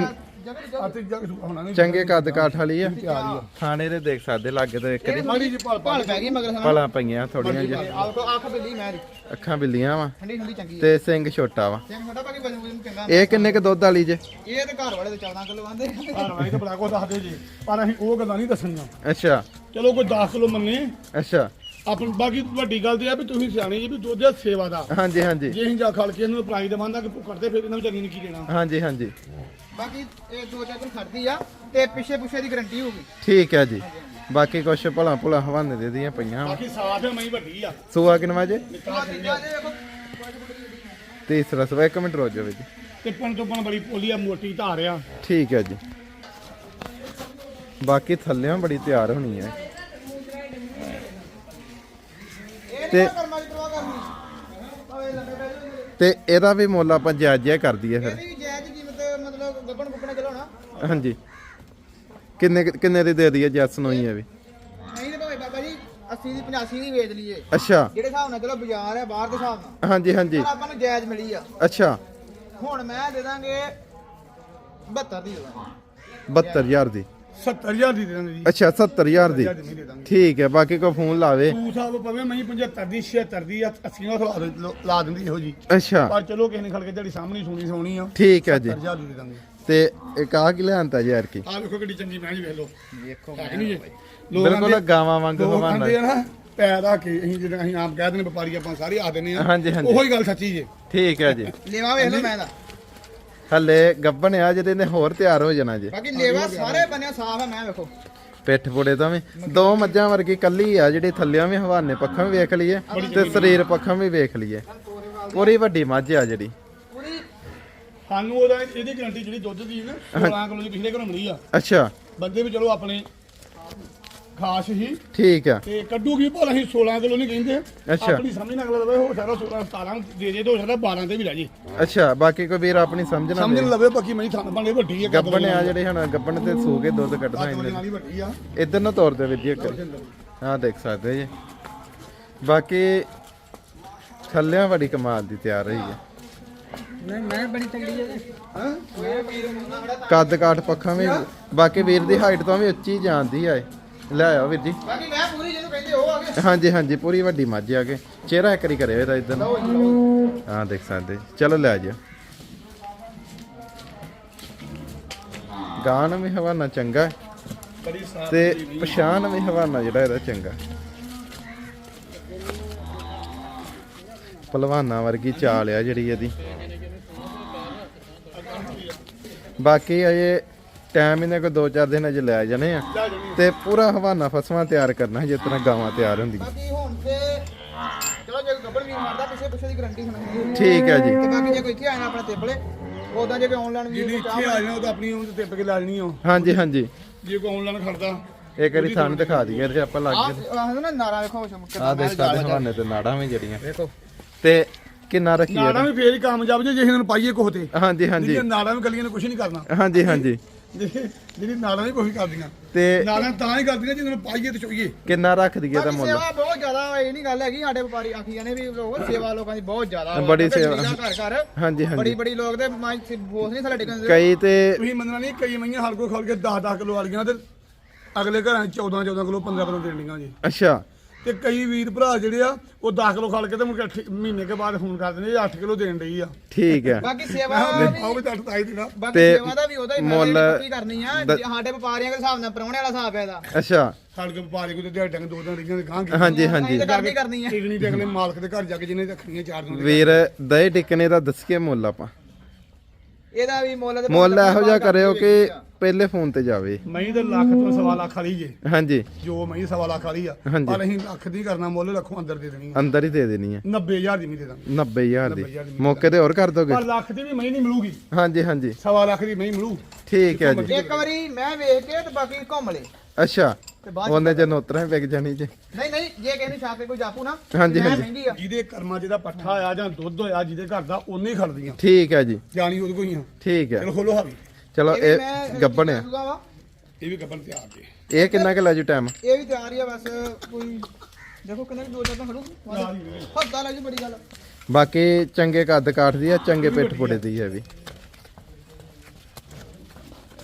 Speaker 2: ਆ ਤੇ ਜਾ ਕੇ ਹੋਣਾ ਨਹੀਂ
Speaker 1: ਚੰਗੇ ਕੱਦ ਕਾਠ ਵਾਲੀ ਆ
Speaker 2: ਤਿਆਰ ਹੀ ਆ
Speaker 1: ਥਾਣੇ ਦੇ ਦੇਖ ਸਕਦੇ ਲਾਗੇ ਤੇ ਇੱਕ ਦੀ
Speaker 2: ਮਾੜੀ ਜੀ ਭਾਲ
Speaker 3: ਭਾਲ ਪੈ ਗਈ ਮਗਰ ਸਾਨੂੰ
Speaker 1: ਭਲਾ ਪਈਆਂ ਥੋੜੀਆਂ ਜਿਹੀਆਂ
Speaker 3: ਆਹ ਦੇਖੋ ਅੱਖ ਬਿੱਲੀ ਮੈਂ ਦੀ
Speaker 1: ਅੱਖਾਂ ਬਿੱਲੀਆਂ ਵਾ
Speaker 3: ਠੰਡੀ ਠੰਡੀ ਚੰਗੀ ਹੈ
Speaker 1: ਤੇ ਸਿੰਘ ਛੋਟਾ ਵਾ
Speaker 3: ਸਿੰਘ ਛੋਟਾ ਬਾਕੀ ਵਜਨ ਵਜਨ ਚੰਗਾ
Speaker 1: ਇਹ ਕਿੰਨੇ ਕ ਦੁੱਧ ਵਾਲੀ ਜੇ
Speaker 3: ਇਹ ਤੇ ਘਰ ਵਾਲੇ ਤੇ ਚੌਦਾਂ ਕਿਲੋ ਆਂਦੇ
Speaker 2: ਭਾਲ ਵਾਲੀ ਤਾਂ ਬੜਾ ਕੋ ਦੱਸਦੇ ਜੀ ਪਰ ਅਸੀਂ ਉਹ ਗੱਲਾਂ ਨਹੀਂ ਦੱਸਣੀਆਂ
Speaker 1: ਅੱਛਾ
Speaker 2: ਚਲੋ ਕੋਈ ਦਸ ਕਿਲੋ ਮੰਨੇ
Speaker 1: ਅੱਛਾ
Speaker 2: ਆਪਣ ਬਾਕੀ ਵੱਡੀ ਗੱਲ ਤੇ ਆ ਵੀ ਤੁਸੀਂ ਸਿਆਣੇ ਜੀ ਵੀ ਦੁੱਧ ਦੀ ਸੇਵਾ ਦਾ
Speaker 1: ਹਾਂਜੀ ਹਾਂਜੀ
Speaker 2: ਜੇ ਅਸੀਂ ਜਾ ਖਲ ਕੇ ਇਹਨੂੰ ਪ੍ਰਾਈਜ਼ ਦੇਵਾਂਦਾ ਕਿ ਕਰਦੇ ਫਿਰ ਇਹਨਾਂ ਵਿਚਾਰੀ ਨੇ ਕੀ ਦੇਣਾ
Speaker 1: ਹਾਂਜੀ ਹਾਂਜੀ
Speaker 3: ਬਾਕੀ ਇਹ ਦੋ ਚਾਰ ਦਿਨ ਖੜਦੀ ਆ ਤੇ ਪਿੱਛੇ ਪਿੱਛੇ ਦੀ ਗਾਰੰਟੀ ਹੋਊਗੀ
Speaker 1: ਠੀਕ ਹੈ ਜੀ ਬਾਕੀ ਕੁਛ ਭਲਾ ਭੁਲਾ ਹਵਾਨੇ ਦੇ ਦੀਆਂ ਪਈਆਂ ਵਾ
Speaker 2: ਬਾਕੀ ਸਾਫ ਹੈ ਮਈ ਵੱਡੀ ਆ
Speaker 1: ਸੂਆ ਕਿਨਵਾ ਜੇ
Speaker 3: ਬਾਕੀ ਜਾ ਜੇ ਦੇਖੋ
Speaker 1: ਤੀਸਰਾ ਸਵਾ ਇੱਕ ਮਿੰਟ ਰੋ ਜਾਵੇ ਜੀ
Speaker 2: ਤੇ ਪਣ ਤੋਂ ਪਣ ਬੜੀ ਪੋਲੀ ਆ ਮੋਟੀ ਧਾਰ ਆ
Speaker 1: ਠੀਕ ਹੈ ਜੀ ਬਾਕੀ ਥੱਲਿਆਂ ਬੜੀ ਤਿਆਰ ਹੋਣੀ ਹੈ
Speaker 3: ਇਹ
Speaker 1: ਤੇ-
Speaker 3: ਨਹੀਂ ਕਰਮਾਂ ਦੀ ਪਰਵਾਹ ਕਰਨੀ ਭਾਵੇਂ ਲੰਮੇ ਪੈ ਜਾਓ
Speaker 1: ਤੇ ਇਹਦਾ ਵੀ ਮੁੱਲ ਆਪਾਂ ਜਾਇਜ਼ ਜਿਹਾ ਕਰ ਦਈਏ ਫਿਰ
Speaker 3: ਇਹਦੀ ਵੀ ਜਾਇਜ਼ ਕੀਮਤ ਮਤਲਬ ਗੱਬਣ ਗੁੱਪਣੇ ਚਲਾਉਣਾ
Speaker 1: ਹਾਂਜੀ ਕਿੰਨੇ ਕਿੰਨੇ ਦੀ ਦੇ ਦਈਏ ਜੈਸ ਨੂੰ ਹੀ ਹੈ ਵੀ
Speaker 3: ਨਹੀਂ ਤੇ ਭਾਵੇਂ ਬਾਬਾ ਜੀ ਅੱਸੀ ਦੀ ਪਚਾਸੀ ਦੀ ਵੇਚ ਲਈਏ
Speaker 1: ਅੱਛਾ
Speaker 3: ਜਿਹੜੇ ਹਿਸਾਬ ਨਾਲ ਚਲੋ ਬਾਜ਼ਾਰ ਹੈ ਬਾਹਰ ਦੇ ਹਿਸਾਬ ਨਾਲ
Speaker 1: ਹਾਂਜੀ ਹਾਂਜੀ
Speaker 3: ਪਰ ਆਪਾਂ ਨੂੰ ਜਾਇਜ਼ ਮਿਲੀ ਆ
Speaker 1: ਅੱਛਾ
Speaker 3: ਹੁਣ ਮੈਂ ਦੇ ਦਾਂਗੇ ਬਹੱਤਰ ਦੀ ਦੇ ਦਾਂਗੇ
Speaker 1: ਬਹੱਤਰ ਹਜ਼ਾਰ ਦੀ
Speaker 2: ਸੱਤਰ ਹਜ਼ਾਰ ਦੀ ਦੇ ਦਾਂਗੇ ਜੀ
Speaker 1: ਅੱਛਾ ਸੱਤਰ ਹਜ਼ਾਰ ਦੀ
Speaker 2: ਹਜ਼ਾਰ ਦੀ ਨਹੀਂ ਦੇ ਦਾਂਗੇ
Speaker 1: ਠੀਕ ਹੈ ਬਾਕੀ ਕੋਈ ਫੋਨ ਲਾਵੇ
Speaker 2: ਤੂੰ ਸਾਹਿਬ ਪਵੇ ਮੈਂ ਪਝੱਤਰ ਦੀ ਛਿਅੱਤਰ ਦੀ ਅੱਸੀ ਨਾਲ ਲਾ ਦੇ- ਲਾ ਦਿੰਦੀ ਇਹੋ ਜੀ
Speaker 1: ਅੱਛਾ
Speaker 2: ਪਰ ਚਲੋ ਕਿਸੇ ਨੇ ਖੜ ਕੇ ਜਿਹੜੀ ਸਾਹਮਣੀ ਸੁਣੀ ਸੋਣੀ ਆ
Speaker 1: ਠੀਕ ਹੈ ਜੀ
Speaker 2: ਸੱਤਰ ਹਜ਼ਾਰ ਦੀ ਦੇ ਦਾਂਗੇ
Speaker 1: ਤੇ ਇੱਕ ਆ ਕੀ ਲਿਆਂਤਾ ਯਾਰ ਕੀ
Speaker 2: ਆ ਵੇਖੋ ਕਿੱਡੀ ਚੰਗੀ ਮੈਚ ਵੇਖ ਲਓ
Speaker 3: ਵੇਖੋ
Speaker 2: ਹੈ ਕਿ ਨਹੀਂ ਜੀ
Speaker 1: ਬਿਲਕੁਲ ਗਾਵਾਂ ਵਾਂਗ
Speaker 2: ਲੋਕ
Speaker 1: ਹਵਾਨਾ
Speaker 2: ਆਂਦੇ ਆ ਨਾ ਪੈਰ ਆ ਕੇ ਅਸੀਂ ਜਿਹੜਾ ਅਸੀਂ ਆਮ ਕਹਿ ਦਿੰਦੇ ਵਪਾਰੀ ਆਪਾਂ ਸਾਰੇ ਆ ਦਿੰਦੇ ਆ
Speaker 1: ਹਾਂਜੀ, ਹਾਂਜੀ।
Speaker 2: ਉਹੀ ਗੱਲ ਸੱਚੀ ਜੇ
Speaker 1: ਠੀਕ ਹੈ ਜੀ
Speaker 3: ਲੇਵਾ ਵੇਖ ਲਓ ਮੈਂ ਦਾ
Speaker 1: ਹੱਲੇ ਗੱਬਣ ਆ ਜਿਹਦੇ ਨੇ ਹੋਰ ਤਿਆਰ ਹੋ ਜਾਣਾ ਜੀ
Speaker 3: ਬਾਕੀ ਲੇਵਾ ਸਾਰੇ ਬੰਨਿਆ ਸਾਫ ਹੈ ਮੈਂ ਵੇਖੋ
Speaker 1: ਪਿੱਠ ਪੁੜੇ ਤੋਂ ਵੀ ਦੋ ਮੱਝਾਂ ਵਰਗੀ ਕੱਲੀ ਆ ਜਿਹੜੀ ਥੱਲਿਆਂ ਵੀ ਹਵਾਨੇ ਪੱਖਾਂ ਵੀ ਵੇਖ ਲਈਏ ਤੇ ਸਰੀਰ ਪੱਖਾਂ ਵੀ ਵੇਖ ਲਈਏ ਪੂਰੀ ਵੱਡੀ ਮੱਝ ਆ ਜਿਹੜੀ
Speaker 3: ਪੂਰੀ
Speaker 2: ਸਾਨੂੰ ਉਹਦਾ ਇਹਦੀ ਗਰੰਟੀ ਜਿਹੜੀ ਦੁੱਧ ਦੀ ਨਾ ਸੋਲਾਂ ਕਿਲੋ ਦੀ ਪਿਛਲੇ ਘਰੋਂ ਮਿਲੀ ਆ
Speaker 1: ਅੱਛਾ
Speaker 2: ਬੰਦੇ ਵੀ ਚਲੋ ਆਪਣੇ ਖਾਸ ਹੀ
Speaker 1: ਠੀਕ ਆ
Speaker 2: ਤੇ ਕੱਢੂਗੀ ਭਲਾ ਅਸੀਂ ਸੋਲਾਂ ਕਿਲੋ ਨਹੀਂ ਕਹਿੰਦੇ
Speaker 1: ਅੱਛਾ।
Speaker 2: ਆਪਣੀ ਸਮਝ ਨਾਲ ਲਵੇ ਹੋ ਸਾਰਾ ਸੋਲਾਂ ਸਤਾਰਾਂ ਦੇ ਜੇ ਤੋਂ ਸਾਡਾ ਬਾਰਾਂ ਤੇ ਵੀ ਰਹਿ ਜੇ
Speaker 1: ਅੱਛਾ ਬਾਕੀ ਕੋਈ ਵੀਰ ਆਪਣੀ ਸਮਝ ਨਾ
Speaker 2: ਸਮਝ
Speaker 1: ਲੈ
Speaker 2: ਲਵੇ ਬਾਕੀ ਮੈਂ ਥਾਂ ਬਣੇ ਵੱਡੀ ਆ
Speaker 1: ਗੱਬਣ ਆ ਜਿਹੜੇ ਹੁਣ ਗੱਬਣ ਤੇ ਸੂ ਕੇ ਦੁੱਧ ਕੱਢਣਾ
Speaker 2: ਕੱਦ
Speaker 1: ਇਹਨੇ
Speaker 2: ਵਾਲੀ ਵੱਡੀ ਆ
Speaker 1: ਇਧਰ ਨੂੰ ਤੋਰ ਦੇ ਵੀਰ ਜੀ ਇੱਕ ਹਾਂ ਦੇਖ ਸਕਦੇ ਜੀ ਬਾਕੀ ਥੱਲਿਆਂ ਬੜੀ ਕਮਾਲ ਦੀ ਤਿਆਰ ਹੋਈ ਹੈ
Speaker 3: ਨਹੀਂ ਮੈਂ ਬੜੀ ਤਗੜੀ ਹੈ
Speaker 2: ਹਾਂ
Speaker 3: ਮੈਂ ਵੀਰ ਮੁੰਨਾ ਬੜਾ
Speaker 1: ਕੱਦ ਕਾਠ ਪੱਖਾਂ ਵੀ ਬਾਕੀ ਵੀਰ ਦੀ ਹਾਈਟ ਤੋਂ ਵੀ ਉੱਚੀ ਜਾਂਦੀ ਆ ਇਹ। ਲੈ ਆਓ ਵੀਰ ਜੀ
Speaker 3: ਬਾਕੀ ਮੈਂ ਪੂਰੀ ਜਿਹਨੂੰ ਕਹਿੰਦੇ ਉਹ ਆ ਗਏ
Speaker 1: ਹਾਂਜੀ ਹਾਂਜੀ ਪੂਰੀ ਵੱਡੀ ਮੱਝ ਆ ਕੇ ਚਿਹਰਾ ਇੱਕ ਵਾਰੀ ਕਰਿਓ ਇਹਦਾ ਇਦਾਂ ਹਾਂ ਦੇਖ ਸਕਦੇ ਜੀ। ਚਲੋ ਲੈ ਜਿਓ ਗਾਣ ਵੀ ਹਵਾਨਾ ਚੰਗਾ ਹੈ
Speaker 2: ਬੜੀ ਸਾਫ
Speaker 1: ਤੇ ਪਛਾਣ ਵੀ ਹਵਾਨਾ ਜਿਹੜਾ ਇਹਦਾ ਚੰਗਾ ਪਹਿਲਵਾਨਾਂ ਵਰਗੀ ਚਾਲ ਆ ਜਿਹੜੀ ਇਹਦੀ ਬਾਕੀ ਅਜੇ ਟਾਈਮ ਇਹਨੇ ਕੋਈ ਦੋ ਚਾਰ ਦਿਨ ਅਜੇ ਲੈ ਜਾਣੇ ਆ ਤੇ ਪੂਰਾ ਹਵਾਨਾ ਫਸਵਾਂ ਤਿਆਰ ਕਰਨਾ ਜਿਸ ਤਰ੍ਹਾਂ ਗਾਵਾਂ ਤਿਆਰ ਹੁੰਦੀਆਂ
Speaker 3: ਬਾਕੀ ਹੁਣ ਤੇ ਚਲੋ ਜੇ ਗੱਬੜ ਵੀਰ ਮਾਰਦਾ ਪਿੱਛੇ ਪਿੱਛੇ ਦੀ ਗਾਰੰਟੀ ਸੁਣਾਉਂਦੀ
Speaker 1: ਠੀਕ ਹੈ ਜੀ
Speaker 3: ਤੇ ਬਾਕੀ ਜੇ ਕੋਈ ਇੱਥੇ ਆਇਆ ਆਪਣਾ ਟੇਬਲੇ ਉਦਾਂ ਜੇ ਕੋਈ ਆਨਲਾਈਨ ਵੀ
Speaker 2: ਜਿਹੜੀ ਇੱਥੇ ਆ ਜਾਣਾ ਉਹ ਤਾਂ ਆਪਣੀ ਉਹ ਤੇ ਟਿੱਪ ਕੇ ਲਾ ਲੈਣੀ ਆ
Speaker 1: ਹਾਂਜੀ ਹਾਂਜੀ
Speaker 2: ਜੇ ਕੋਈ ਆਨਲਾਈਨ ਖੜਦਾ
Speaker 1: ਇੱਕ ਵਾਰੀ ਥਾਂ ਦਿਖਾ ਦਈਏ ਤੇ ਆਪਾਂ ਲੱਗ ਗਏ
Speaker 3: ਆਹ ਆਹ ਨਾ ਨਾਰਾ ਵੇਖੋ ਚਮਕ
Speaker 1: ਆ ਦੇਖ ਸਕਦੇ ਹਵਾਨੇ ਤੇ ਨਾੜਾਂ ਵੀ ਜਿਹੜੀਆਂ ਵੇਖੋ ਤੇ ਕਿੰਨਾ ਰੱਖੀਏ
Speaker 2: ਨਾੜਾਂ ਵੀ ਫੇਰ ਹੀ ਕਾਮਯਾਬ ਜੇ ਜੇ ਇਹਨਾਂ ਨੂੰ ਪਾਈਏ ਕੋਹ ਤੇ
Speaker 1: ਹਾਂਜੀ ਹਾਂਜੀ
Speaker 2: ਜਿਹੜੀਆਂ ਨਾੜਾਂ ਵੀ ਗਲੀਆਂ ਨੇ ਕੁਝ ਨਹੀਂ ਕਰਨਾ
Speaker 1: ਹਾਂਜੀ ਹਾਂਜੀ
Speaker 2: ਜਿਹੜੀ ਜਿਹੜੀ ਨਾੜਾਂ ਵੀ ਕੁਝ ਕਰਦੀਆਂ
Speaker 1: ਤੇ
Speaker 2: ਨਾੜਾਂ ਤਾਂ ਹੀ ਕਰਦੀਆਂ ਜਿਹਨਾਂ ਨੂੰ ਪਾਈਏ ਤੇ ਚੋਈਏ
Speaker 1: ਕਿੰਨਾ ਰੱਖ ਦਈਏ ਦਾ
Speaker 3: ਬਾਕੀ
Speaker 1: ਮੁੱਲ
Speaker 3: ਸੇਵਾ ਬਹੁਤ ਜ਼ਿਆਦਾ ਇਹ ਨਹੀਂ ਗੱਲ ਹੈਗੀ ਸਾਡੇ ਵਪਾਰੀ ਆਖੀ ਜਾਂਦੇ ਵੀ ਲੋਕ ਸੇਵਾ ਲੋਕਾਂ ਦੀ ਬਹੁਤ ਜ਼ਿਆਦਾ ਵਾ।
Speaker 1: ਬੜੀ
Speaker 3: ਕਿਉਂਕਿ
Speaker 1: ਸੇਵਾ।
Speaker 3: ਜ਼ਮੀਨਾਂ ਘਰ ਘਰ
Speaker 1: ਹਾਂਜੀ
Speaker 3: ਬੜੀ
Speaker 1: ਹਾਂਜੀ
Speaker 3: ਬੜੀ ਲੋਕ ਤੇ ਮਾਈ ਬੋਸ ਨਹੀਂ ਥੱਲੇ ਟਿਕਣ
Speaker 1: ਕਈ ਤੇ
Speaker 2: ਤੁਸੀਂ ਮੰਨਣਾ ਨਹੀਂ ਕਈ ਮਈਆਂ ਹਰ ਕੋ ਖੋਲ ਕੇ ਦਸ ਦਸ ਕਿਲੋ ਵਾਲੀਆਂ ਤੇ ਅਗਲੇ ਘਰਾਂ ਚ ਚੌਦਾਂ ਚੌਦਾਂ ਕਿਲੋ ਪੰਦਰਾਂ ਕਿਲੋ ਦੇਣੀਆਂ ਜੀ
Speaker 1: ਅੱਛਾ
Speaker 2: ਤੇ ਕਈ ਵੀਰ ਭਰਾ ਜਿਹੜੇ ਆ ਉਹ ਦਸ ਕਿਲੋ ਖਲ ਕੇ ਤੇ ਮੁੜ ਕੇ ਅੱਠ- ਮਹੀਨੇ ਕੇ ਬਾਅਦ ਫੋਨ ਕਰ ਦਿੰਦੇ ਜੀ ਅੱਠ ਕਿਲੋ ਦੇਣ ਡਈ ਆ
Speaker 1: ਠੀਕ ਹੈ
Speaker 3: ਬਾਕੀ ਸੇਵਾ
Speaker 2: ਮੈਂ
Speaker 3: ਵੀ
Speaker 2: ਆਓ ਵੀ ਤਾਂ ਤਾਈ ਦੇਣਾ
Speaker 3: ਬਾਕੀ
Speaker 1: ਤੇ
Speaker 3: ਸੇਵਾ ਦਾ ਵੀ ਉਹਦਾ ਹੀ
Speaker 1: ਮੁੱਲ
Speaker 3: ਕੀ ਕਰਨੀ ਆ
Speaker 1: ਦ-
Speaker 3: ਜੇ ਸਾਡੇ ਵਪਾਰੀਆਂ ਦੇ ਹਿਸਾਬ ਨਾਲ ਪਰੌਣੇ ਵਾਲਾ ਹਿਸਾਬ ਹੈ ਇਹਦਾ
Speaker 1: ਅੱਛਾ
Speaker 2: ਸਾਡੇ ਕੇ ਵਪਾਰੀ ਕੋ ਤੇ ਦਿਹਾੜੀਆਂ ਦੇ ਦੋ ਦਿਨ ਰਹੀਆਂ ਦੇ ਗਾਂ
Speaker 1: ਹਾਂਜੀ ਹਾਂਜੀ
Speaker 3: ਅਸੀਂ ਤਾਂ ਕਰਨੀ ਕਰਨੀ ਆ
Speaker 2: ਟਿਕਣੀ ਟਿਕਣੇ ਮਾਲਕ ਦੇ ਘਰ ਜਾ ਕੇ ਜਿਹਨੇ ਰੱਖਣੀਆਂ ਚਾਰ ਦਿਨ
Speaker 1: ਵੀਰ ਦਹੀਂ ਟਿਕਨੇ ਦਾ ਦੱਸੀਏ ਮੁੱਲ ਆਪਾਂ
Speaker 3: ਇਹਦਾ ਵੀ ਮੁੱਲ ਤੇ
Speaker 1: ਮੁੱਲ ਇਹੋ ਜਿਹਾ ਕਰਿਓ ਕਿ ਪਹਿਲੇ ਫੋਨ ਤੇ ਜਾਵੇ
Speaker 2: ਮਹੀਂ ਦੇ ਲੱਖ ਤੋਂ ਸਵਾ ਲੱਖ ਵਾਲੀ ਜੇ
Speaker 1: ਹਾਂਜੀ
Speaker 2: ਜੋ ਮਹੀਂ ਸਵਾ ਲੱਖ ਵਾਲੀ ਆ
Speaker 1: ਹਾਂਜੀ।
Speaker 2: ਪਰ ਅਸੀਂ ਲੱਖ ਦੀ ਕਰਨਾ ਮੁੱਲ ਲੱਖੋਂ ਅੰਦਰ ਦੇ ਦੇਣੀ ਆ
Speaker 1: ਅੰਦਰ ਹੀ ਦੇ ਦੇਣੀ ਹੈ
Speaker 2: ਨੱਬੇ ਹਜ਼ਾਰ ਦੀ ਨਹੀਂ ਦੇ ਦਾਂਗੇ
Speaker 1: ਨੱਬੇ ਹਜ਼ਾਰ ਦੀ
Speaker 2: ਨੱਬੇ ਹਜ਼ਾਰ ਦੀ
Speaker 1: ਮੌਕੇ ਤੇ ਹੋਰ ਕਰ ਦੋਗੇ
Speaker 2: ਪਰ ਲੱਖ ਦੀ ਵੀ ਮਹੀਂ ਨਹੀਂ ਮਿਲੂਗੀ
Speaker 1: ਹਾਂਜੀ ਹਾਂਜੀ
Speaker 2: ਸਵਾ ਲੱਖ ਦੀ ਮਹੀਂ ਮਿਲੂ
Speaker 1: ਠੀਕ ਹੈ ਜੀ
Speaker 3: ਇੱਕ ਵਾਰੀ ਮੈਂ ਵੇਖ ਕੇ ਤੇ ਬਾਕੀ ਘੁੰਮ ਲੇ
Speaker 1: ਅੱਛਾ
Speaker 3: ਤੇ ਬਾਅਦ
Speaker 1: ਉਹਨੇ ਜੇ ਨੋਤਰਾਂ ਵਿਕ ਜਾਣੀ ਜੀ
Speaker 3: ਨਹੀਂ ਨਹੀਂ ਜੇ ਕਿਸੇ ਨੂੰ ਛਾਪੇ ਕੋਈ ਜਾਪੂ ਨਾ
Speaker 1: ਹਾਂਜੀ,
Speaker 3: ਮੈਂ
Speaker 1: ਹਾਂਜੀ।
Speaker 3: ਮਹਿੰਗੀ ਆ
Speaker 2: ਜਿਹਦੇ ਕਰਮਾਂ 'ਚ ਦਾ ਪੱਠਾ ਆ ਜਾਂ ਦੁੱਧ ਹੋਇਆ ਜਿਹਦੇ ਘਰ ਦਾ ਉਹਨੇ ਹੀ ਖੜਦੀਆਂ
Speaker 1: ਠੀਕ ਹੈ ਜੀ
Speaker 2: ਜਾਣੀ ਉਹਦੇ ਕੋਈ ਆ
Speaker 1: ਠੀਕ ਹੈ
Speaker 2: ਚਲੋ ਖੋਲੋ ਹਾਵੀ
Speaker 1: ਚਲੋ
Speaker 3: ਇਹ ਵੀ
Speaker 1: ਇਹ
Speaker 3: ਮੈਂ
Speaker 1: ਗੱਬਣ ਆ
Speaker 3: ਦੱਸੂਗਾ ਵਾ।
Speaker 2: ਇਹ ਵੀ ਗੱਬਨ ਤਿਆਰ ਜੇ
Speaker 1: ਇਹ ਕਿੰਨਾ ਕੁ ਲੈ ਜੂ ਟਾਈਮ
Speaker 3: ਇਹ ਵੀ ਤਿਆਰ ਹੀ ਆ ਬਸ ਕੋਈ ਦੇਖੋ ਕਿੰਨੇ ਕੁ ਦੋ ਚਾਰ ਤਾਂ ਖੜੂ
Speaker 2: ਤਿਆਰ ਹੀ ਹੈ।
Speaker 3: ਹੱਦਾ ਲੱਗ ਬੜੀ ਗੱਲ
Speaker 1: ਬਾਕੀ ਚੰਗੇ ਕੱਦ ਕਾਠ ਦੀ ਆ ਚੰਗੇ ਪਿੱਠ ਪੁੜੇ ਦੀ ਹੈ ਵੀ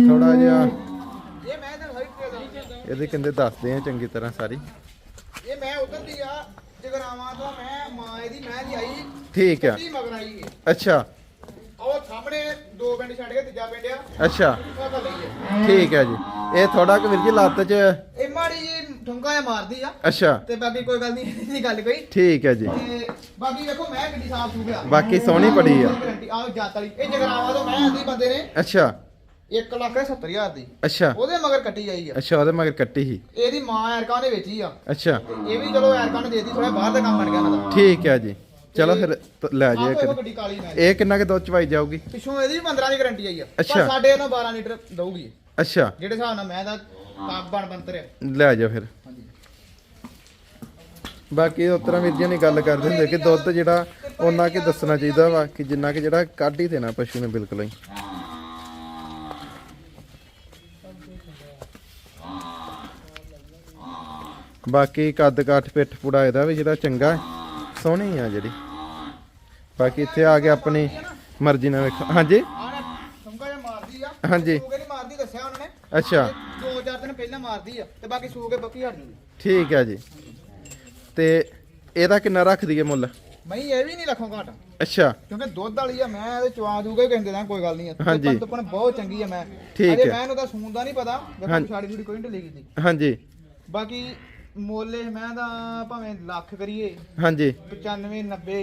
Speaker 1: ਥੋੜਾ ਜਿਹਾ
Speaker 3: ਇਹ ਮੈਂ ਤਾਂ ਸਾਰੀ ਟ੍ਰੇਲ
Speaker 1: ਇਹਦੇ ਕਹਿੰਦੇ ਦੱਸਦੇ ਆ ਚੰਗੀ ਤਰ੍ਹਾਂ ਸਾਰੀ।
Speaker 3: ਇਹ ਮੈਂ ਉਧਰ ਦੀ ਆ ਜਗਰਾਵਾਂ ਤੋਂ ਮੈਂ ਮਾਂ ਇਹਦੀ ਮੈਂ ਦੀ ਆਈ
Speaker 1: ਠੀਕ ਆ।
Speaker 3: ਕੱਟੀ ਮਗਰ ਆਈ ਇਹ।
Speaker 1: ਅੱਛਾ
Speaker 3: ਉਹ ਸਾਹਮਣੇ ਦੋ ਪਿੰਡ ਛੱਡ ਕੇ ਤੀਜਾ ਪਿੰਡ ਆ
Speaker 1: ਅੱਛਾ
Speaker 3: ਉਹ ਤਾਂ ਲਈ ਹੈ।
Speaker 1: ਠੀਕ ਹੈ ਜੀ। ਇਹ ਥੋੜਾ ਕਿ ਵੀਰ ਜੀ ਲੱਤ 'ਚ
Speaker 3: ਇਹ ਮਾੜੀ ਜੀ ਠੁੰਕਾ ਜਿਹਾ ਮਾਰਦੀ ਆ
Speaker 1: ਅੱਛਾ
Speaker 3: ਤੇ ਬਾਕੀ ਕੋਈ ਗੱਲ ਨਹੀਂ ਇਹਦੀ ਗੱਲ ਕੋਈ
Speaker 1: ਠੀਕ ਹੈ ਜੀ।
Speaker 3: ਤੇ ਬਾਕੀ ਵੇਖੋ ਮੈਂ ਗੱਡੀ ਸਾਫ ਸੂ ਗਿਆ
Speaker 1: ਬਾਕੀ ਸੋਹਣੀ ਬੜੀ ਆ।
Speaker 3: ਆਹ ਜਾਤ ਵਾਲੀ ਇਹ ਜਗਰਾਵਾਂ ਤੋਂ ਮੈਂ ਆਂਦੀ ਬੰਦੇ ਨੇ
Speaker 1: ਅੱਛਾ
Speaker 3: ਇੱਕ ਲੱਖ ਸੱਤਰ ਹਜ਼ਾਰ ਦੀ
Speaker 1: ਅੱਛਾ
Speaker 3: ਉਹਦੇ ਮਗਰ ਕੱਟੀ ਆਈ ਆ।
Speaker 1: ਅੱਛਾ ਉਹਦੇ ਮਗਰ ਕੱਟੀ ਸੀ
Speaker 3: ਇਹਦੀ ਮਾਂ ਐਰਕਾਂ ਨੇ ਵੇਚੀ ਆ।
Speaker 1: ਅੱਛਾ
Speaker 3: ਇਹ ਵੀ ਚਲੋ ਐਰਕਾਂ ਨੇ ਦੇਤੀ ਥੋੜਾ ਬਾਹਰ ਦਾ ਕੰਮ ਬਣ ਗਿਆ ਇਹਨਾਂ ਦਾ।
Speaker 1: ਠੀਕ ਹੈ ਜੀ। ਚਲੋ ਫਿਰ ਤ- ਲੈ ਜਾਈਏ
Speaker 3: ਆਹ ਵੇਖੋ
Speaker 1: ਕਦੇ।
Speaker 3: ਗੱਡੀ ਕਾਲੀ ਨਾਲ
Speaker 1: ਇਹ ਕਿੰਨਾ ਕਿ ਦੁੱਧ ਚਵਾਈ ਜਾਊਗੀ?
Speaker 3: ਪਿੱਛੋਂ ਇਹਦੀ ਵੀ ਪੰਦਰਾਂ ਦੀ ਗਾਰੰਟੀ ਆਈ ਆ
Speaker 1: ਅੱਛਾ।
Speaker 3: ਪਰ ਸਾਡੇ ਇਹਨੂੰ ਬਾਰਾਂ ਲੀਟਰ ਦਊਗੀ ਇਹ।
Speaker 1: ਅੱਛਾ
Speaker 3: ਜਿਹੜੇ ਹਿਸਾਬ ਨਾਲ ਮੈਂ ਦਾ ਕਾਬ ਬਣ ਬੰਤਰ ਹੈ।
Speaker 1: ਲੈ ਜਾ ਫਿਰ।
Speaker 3: ਹਾਂਜੀ
Speaker 1: ਬਾਕੀ ਉਸ ਤਰ੍ਹਾਂ ਵੀਰ ਜੀ ਨੇ ਗੱਲ ਕਰਦੇ ਹੁੰਦੇ ਕਿ ਦੁੱਧ ਜਿਹੜਾ ਉਹਨਾਂ ਕਿ ਦੱਸਣਾ ਚਾਹੀਦਾ ਵਾ ਕਿ ਜਿੰਨਾ ਕਿ ਜਿਹੜਾ ਕੱਢ ਹੀ ਦੇਣਾ ਪਸ਼ੂ ਨੇ ਬਿਲਕੁਲ ਹੀ। ਬਾਕੀ ਕੱਦ ਕਾਠ ਪਿੱਠ ਪੁੜਾ ਇਹਦਾ ਵੀ ਜਿਹੜਾ ਚੰਗਾ ਹੈ, ਸੋਹਣੀ ਆ ਜਿਹੜੀ। ਬਾਕੀ ਇੱਥੇ ਆ ਕੇ ਆਪਣੀ ਮਰਜ਼ੀ ਨਾਲ ਵੇਖੋ। ਹਾਂਜੀ
Speaker 3: ਆਹ ਨਾ ਠੁੰਕਾ ਜਿਹਾ ਮਾਰਦੀ ਆ।
Speaker 1: ਹਾਂਜੀ।
Speaker 3: ਸੂਗੇ ਨਹੀਂ ਮਾਰਦੀ ਦੱਸਿਆ ਉਹਨਾਂ ਨੇ।
Speaker 1: ਅੱਛਾ
Speaker 3: ਦੋ ਚਾਰ ਦਿਨ ਪਹਿਲਾਂ ਮਾਰਦੀ ਆ ਤੇ ਬਾਕੀ ਸੂਗੇ ਬੱਕੀ ਹਟ ਜੂਗੀ।
Speaker 1: ਠੀਕ ਹੈ ਜੀ। ਤੇ ਇਹਦਾ ਕਿੰਨਾ ਰੱਖਦੀ ਹੈ ਮੁੱਲ?
Speaker 3: ਮੈਂ ਇਹ ਵੀ ਨਹੀਂ ਲੱਖੋਂ ਘਾਟ
Speaker 1: ਅੱਛਾ
Speaker 3: ਕਿਉਂਕਿ ਦੁੱਧ ਵਾਲੀ ਆ ਮੈਂ ਇਹਦੇ ਚਵਾ ਦੂਗਾ ਹੀ ਕਹਿੰਦੇ ਨਾ ਕੋਈ ਗੱਲ ਨਹੀਂ।
Speaker 1: ਹਾਂਜੀ।
Speaker 3: ਪਰ ਬਹੁਤ ਚੰਗੀ ਆ ਮੈਂ।
Speaker 1: ਠੀਕ
Speaker 3: ਅਜੇ
Speaker 1: ਹੈ।
Speaker 3: ਮੈਂ ਇਹਨੂੰ ਤਾਂ ਸੂਣ ਦਾ ਨਹੀਂ ਪਤਾ ਵੇਖੋ
Speaker 1: ਹਾਂਜੀ।
Speaker 3: ਛਾੜੀ ਛੁੜੀ ਕੋਈ ਨਹੀਂ ਢਿੱਲੀ ਕੀਤੀ।
Speaker 1: ਹਾਂਜੀ
Speaker 3: ਬਾਕੀ ਮੋਲੇ ਮੈਂ ਤਾਂ ਭਾਵੇਂ ਲੱਖ ਕਰੀਏ
Speaker 1: ਹਾਂਜੀ
Speaker 3: ਪਚਾਨਵੇਂ ਨੱਬੇ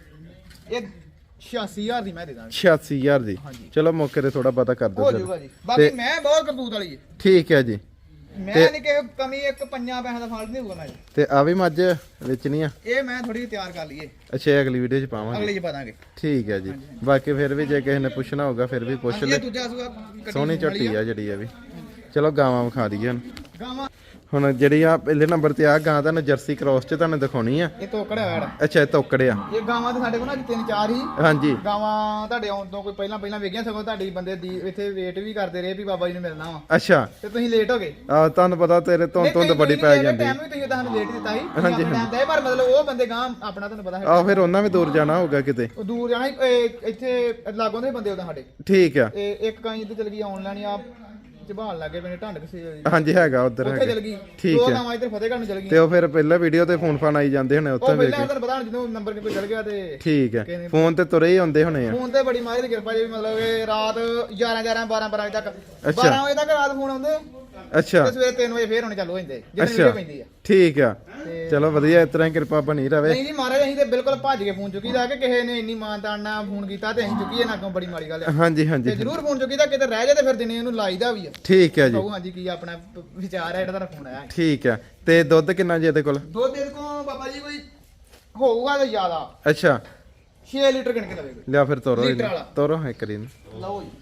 Speaker 3: ਇਹ ਛਿਆਸੀ ਹਜ਼ਾਰ ਦੀ ਮੈਂ ਦੇ ਦਾਂਗਾ।
Speaker 1: ਛਿਆਸੀ ਹਜ਼ਾਰ ਦੀ।
Speaker 3: ਹਾਂਜੀ।
Speaker 1: ਚਲੋ ਮੌਕੇ ਤੇ ਥੋੜਾ ਪਤਾ ਕਰ ਦਿਓ
Speaker 3: ਹੋ
Speaker 1: ਚਲੋ।
Speaker 3: ਜਾਊਗਾ ਜੀ। ਬਾਕੀ
Speaker 1: ਤੇ-
Speaker 3: ਮੈਂ ਬਹੁਤ ਕਰਤੂਤ ਵਾਲੀ ਹੈ।
Speaker 1: ਠੀਕ ਹੈ ਜੀ।
Speaker 3: ਮੈਂ
Speaker 1: ਤੇ-
Speaker 3: ਨਹੀਂ ਕਿ ਕਮੀ ਇੱਕ ਪੰਜਾਂ ਪੈਸਿਆਂ ਦਾ ਫਾਲਟ ਨਹੀਂ ਹੋਊਗਾ ਮੈਂ
Speaker 1: ਤੇ ਆ ਵੀ ਮੱਝ ਵੇਚਣੀ ਆ?
Speaker 3: ਇਹ ਮੈਂ ਥੋੜੀ ਤਿਆਰ ਕਰ ਲਈਏ
Speaker 1: ਅੱਛਾ ਇਹ ਅਗਲੀ ਵੀਡੀਓ ਚ ਪਾਵਾਂਗੇ।
Speaker 3: ਅਗਲੇ ਚ ਪਾ ਦਾਂਗੇ।
Speaker 1: ਠੀਕ ਹੈ ਜੀ। ਬਾਕੀ ਫਿਰ ਵੀ ਜੇ ਕਿਸੇ ਨੇ ਪੁੱਛਣਾ ਹੋਊਗਾ ਫਿਰ ਵੀ ਪੁੱਛ
Speaker 3: ਹਾਂਜੀ,
Speaker 1: ਲੈ।
Speaker 3: ਇਹ ਦੂਜਾ ਸੂਆ ਕੱਟੀ
Speaker 1: ਸੋਹਣੀ
Speaker 3: ਸੂਣ ਵਾਲੀ
Speaker 1: ਝੋਟੀ ਆ ਜਿਹੜੀ ਇਹ ਵੀ। ਚਲੋ ਗਾਵਾਂ ਵਿਖਾ ਦਈਏ ਹੁਣ।
Speaker 3: ਗਾਵਾਂ
Speaker 1: ਹੁਣ ਜਿਹੜੀ ਆ ਪਹਿਲੇ ਨੰਬਰ ਤੇ ਆ ਗਾਂ ਤੁਹਾਨੂੰ ਜਰਸੀ ਕ੍ਰੋਸ ਚ ਤੁਹਾਨੂੰ ਦਿਖਾਉਣੀ ਆ।
Speaker 3: ਇਹ ਤੋਕੜ ਹੈ।
Speaker 1: ਅੱਛਾ ਇਹ ਤੋਕੜਿਆ।
Speaker 3: ਇਹ ਗਾਵਾਂ ਤੇ ਸਾਡੇ ਕੋਲ ਨਾ ਅੱਜ ਤਿੰਨ ਚਾਰ ਹੀ
Speaker 1: ਹਾਂਜੀ
Speaker 3: ਗਾਵਾਂ ਤੁਹਾਡੇ ਆਉਣ ਤੋਂ ਕੋਈ ਪਹਿਲਾਂ ਪਹਿਲਾਂ ਵੇਖੀਆਂ ਸਗੋਂ ਤੁਹਾਡੀ ਬੰਦੇ ਦੀ ਇੱਥੇ ਵੇਟ ਵੀ ਕਰਦੇ ਰਹੇ ਵੀ ਬਾਬਾ ਜੀ ਨੂੰ ਮਿਲਣਾ ਵਾ
Speaker 1: ਅੱਛਾ
Speaker 3: ਤੇ ਤੁਸੀਂ ਲੇਟ ਹੋ ਗਏ।
Speaker 1: ਆ ਤੁਹਾਨੂੰ ਪਤਾ ਤੇਰੇ ਤੋਂ ਧੁੰਦ ਬੜੀ ਪੈ ਜਾਂਦੀ।
Speaker 3: ਟਾਈਮ ਵੀ ਤੁਸੀਂ ਤੁਹਾਨੂੰ ਲੇਟ ਦਿੱਤਾ ਸੀ।
Speaker 1: ਹਾਂਜੀ,
Speaker 3: ਟਾਈਮ ਦਾ ਪਰ ਮਤਲਬ ਉਹ ਬੰਦੇ ਗਾਂ ਆਪਣਾ ਤੁਹਾਨੂੰ ਪਤਾ ਹੈ
Speaker 1: ਆ ਫਿਰ ਉਹਨਾਂ ਵੀ ਦੂਰ ਜਾਣਾ ਹੋਊਗਾ ਕਿਤੇ।
Speaker 3: ਉਹ ਦੂਰ ਜਾਣਾ ਸੀ, ਇਹ ਇੱਥੇ ਲਾਗੋਂ ਦੇ ਬੰਦੇ ਉਹਦਾ ਸਾਡੇ
Speaker 1: ਠੀਕ ਆ।
Speaker 3: ਇਹ ਇੱਕ ਕਾਂ ਇੱਧਰ ਚਲ ਗਈ ਆਨਲਾਈਨ ਆ ਝਬਾਲ ਲੱਗੇ ਪੈਣੇ ਢੰਡ ਕਿਸੇ
Speaker 1: ਹਾਂਜੀ ਹੈਗਾ ਉਧਰ
Speaker 3: ਉੱਥੇ
Speaker 1: ਹੈਗਾ।
Speaker 3: ਚਲ ਗਈ।
Speaker 1: ਠੀਕ
Speaker 3: ਦੋ
Speaker 1: ਹੈ।
Speaker 3: ਗਾਵਾਂ ਇੱਧਰ ਫਤਿਹਗੜ੍ਹ ਨੂੰ ਚਲ
Speaker 1: ਤੇ
Speaker 3: ਗਈਆਂ।
Speaker 1: ਉਹ ਫਿਰ ਪਹਿਲਾਂ ਵੀਡੀਓ ਤੇ ਫੋਨ ਫਾਨ ਆਈ ਜਾਂਦੇ ਹੋਣੇ ਉੱਥੇ
Speaker 3: ਉਹ
Speaker 1: ਵੇਖ
Speaker 3: ਪਹਿਲਾਂ
Speaker 1: ਕੇ।
Speaker 3: ਤੁਹਾਨੂੰ ਪਤਾ ਹੁਣ ਜਦੋਂ ਨੰਬਰ ਕੋਈ ਚਲ ਗਿਆ ਤੇ
Speaker 1: ਠੀਕ ਹੈ। ਫੋਨ ਤੇ ਤੁਰੇ ਹੀ ਆਉਂਦੇ ਹੋਣੇ ਆ।
Speaker 3: ਫੋਨ ਤੇ ਬੜੀ ਮਾਰੀ ਦੀ ਕਿਰਪਾ ਜੀ ਮਤਲਬ ਕਿ ਰਾਤ ਗਿਆਰਾਂ ਗਿਆਰਾਂ ਬਾਰਾਂ ਬਾਰਾਂ ਵਜੇ ਤੱਕ
Speaker 1: ਅੱਛਾ।
Speaker 3: ਬਾਰਾਂ ਵਜੇ ਤੱਕ ਰਾਤ ਫੋਨ ਆਉਂਦੇ
Speaker 1: ਅੱਛਾ
Speaker 3: ਤੇ ਸਵੇਰੇ ਤਿੰਨ ਵਜੇ ਫੇਰ ਹੋਣੇ ਚਾਲੂ ਹੋ ਜਾਂਦੇ ਜਦੋਂ
Speaker 1: ਅੱਛਾ
Speaker 3: ਵੀਡੀਓ ਪੈਂਦੀ ਆ।
Speaker 1: ਠੀਕ ਆ।
Speaker 3: ਤੇ-
Speaker 1: ਚਲੋ ਵਧੀਆ ਇਸ ਤਰ੍ਹਾਂ ਹੀ ਕਿਰਪਾ ਬਣੀ ਰਵੇ।
Speaker 3: ਨਹੀਂ ਜੀ ਮਹਾਰਾਜ ਅਸੀਂ ਤੇ ਬਿਲਕੁਲ ਭੱਜ ਕੇ ਫੋਨ ਚੁੱਕੀਦਾ ਕਿ ਕਿਸੇ ਨੇ ਇੰਨੀ ਮਾਨਤਾਨ ਨਾਲ ਫੋਨ ਕੀਤਾ ਤੇ ਅਸੀਂ ਚੁੱਕੀਏ ਨਾ ਅੱਗੋਂ ਬੜੀ ਮਾੜੀ ਗੱਲ ਆ।
Speaker 1: ਹਾਂਜੀ
Speaker 3: ਤੇ
Speaker 1: ਹਾਂਜੀ
Speaker 3: ਜ਼ਰੂਰ ਫੋਨ ਚੁੱਕੀਦਾ ਕਿਤੇ ਰਹਿ ਜਾਏ ਤੇ ਫਿਰ ਦਿਨੇ ਇਹਨੂੰ ਲਾਈਦਾ ਵੀ ਆ।
Speaker 1: ਠੀਕ ਹੈ ਜੀ।
Speaker 3: ਕਹੋ ਹਾਂਜੀ ਕੀ ਆਪਣਾ ਪ- ਵਿਚਾਰ ਹੈ ਜਿਹੜਾ ਤੁਹਾਡਾ ਫੋਨ ਆਇਆ।
Speaker 1: ਠੀਕ ਆ। ਤੇ ਦੁੱਧ ਕਿੰਨਾ ਜੀ ਇਹਦੇ ਕੋਲ?
Speaker 3: ਦੋ ਦਿਨ ਕੋ ਬਾਬਾ ਜੀ ਕੋਈ ਹੋਊਗਾ ਤਾਂ ਜ਼ਿਆਦਾ
Speaker 1: ਅੱਛਾ
Speaker 3: ਛੇ ਲੀਟਰ ਗਿਣ ਕੇ ਲਵੇਗਾ।
Speaker 1: ਲਿਆ ਫਿਰ ਤੋਰੋ
Speaker 3: ਲੀਟਰ
Speaker 1: ਇਹਨੂੰ।
Speaker 3: ਵਾਲਾ।
Speaker 1: ਤੋਰੋ ਇੱਕ ਰੀ ਨੂੰ।
Speaker 3: ਲਓ ਜੀ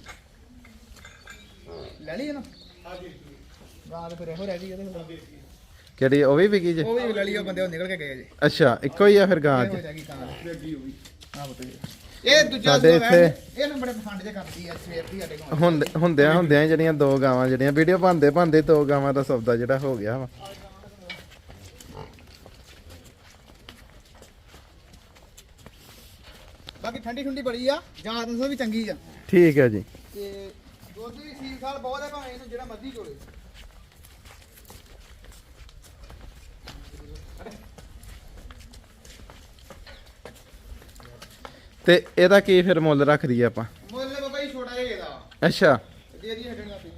Speaker 3: ਲੈ ਲਈ ਨਾ ਹਾਂਜੀ ਗਾਂ ਤੇ ਫਿਰ ਇਹੋ ਰਹਿ ਗਈ ਇਹਦੇ ਕੋਲ।
Speaker 1: ਕਿਹੜੀ ਉਹ ਵੀ ਵਿਕੀ ਜੇ?
Speaker 3: ਉਹ ਵੀ ਲੈ ਲਈ ਉਹ ਬੰਦੇ ਉਹ ਨਿਕਲ ਕੇ ਗਏ ਜੀ।
Speaker 1: ਅੱਛਾ ਇੱਕੋ ਹੀ ਆ ਫਿਰ ਗਾਂ
Speaker 3: ਇਹ ਹੋ
Speaker 1: ਚ?
Speaker 3: ਜਾਗੀ ਕਾਂ ਦੀ। ਆਹ ਬਤੋ ਜੀ ਇਹ ਦੂਜਾ
Speaker 1: ਸਾਡੇ
Speaker 3: ਸੂਆ ਵੈਣ,
Speaker 1: ਇੱਥੇ-
Speaker 3: ਇਹ ਨਾ ਬੜੇ ਪਸੰਦ ਜੇ ਕਰਦੀ ਆ ਸਵੇਰ ਦੀ ਸਾਡੇ ਕੋਲ।
Speaker 1: ਹੁੰਦੇ ਹੁੰਦਿਆਂ ਹੁੰਦਿਆਂ ਹੀ ਜਿਹੜੀਆਂ ਦੋ ਗਾਵਾਂ ਜਿਹੜੀਆਂ ਵੀਡੀਓ ਬਣਦੇ ਬਣਦੇ ਦੋ ਗਾਵਾਂ ਦਾ ਸੌਦਾ ਜਿਹੜਾ ਹੋ ਗਿਆ ਵਾ।
Speaker 3: ਬਾਕੀ ਠੰਡੀ ਠੰਡੀ ਬੜੀ ਆ ਜਾਂ ਤਾਂ ਵੀ ਚੰਗੀ ਆ
Speaker 1: ਠੀਕ ਹੈ ਜੀ।
Speaker 3: ਤੇ ਦੁੱਧ ਵੀ ਸੀਲ ਸਾਲ ਬਹੁਤ ਹੈ ਭਾਵੇਂ ਇਹਨੂੰ ਜਿਹੜਾ ਮਰਜ਼ੀ ਚੋਲੇ।
Speaker 1: ਤੇ ਇਹਦਾ ਕੀ ਫਿਰ ਮੁੱਲ ਰੱਖਦੀ ਆ ਆਪਾਂ?
Speaker 3: ਮੁੱਲ ਬਾਬਾ ਜੀ ਛੋਟਾ ਜਿਹਾ ਇਹਦਾ
Speaker 1: ਅੱਛਾ
Speaker 3: ਦੇ ਦੀ ਹਟਣਾ ਪਈ।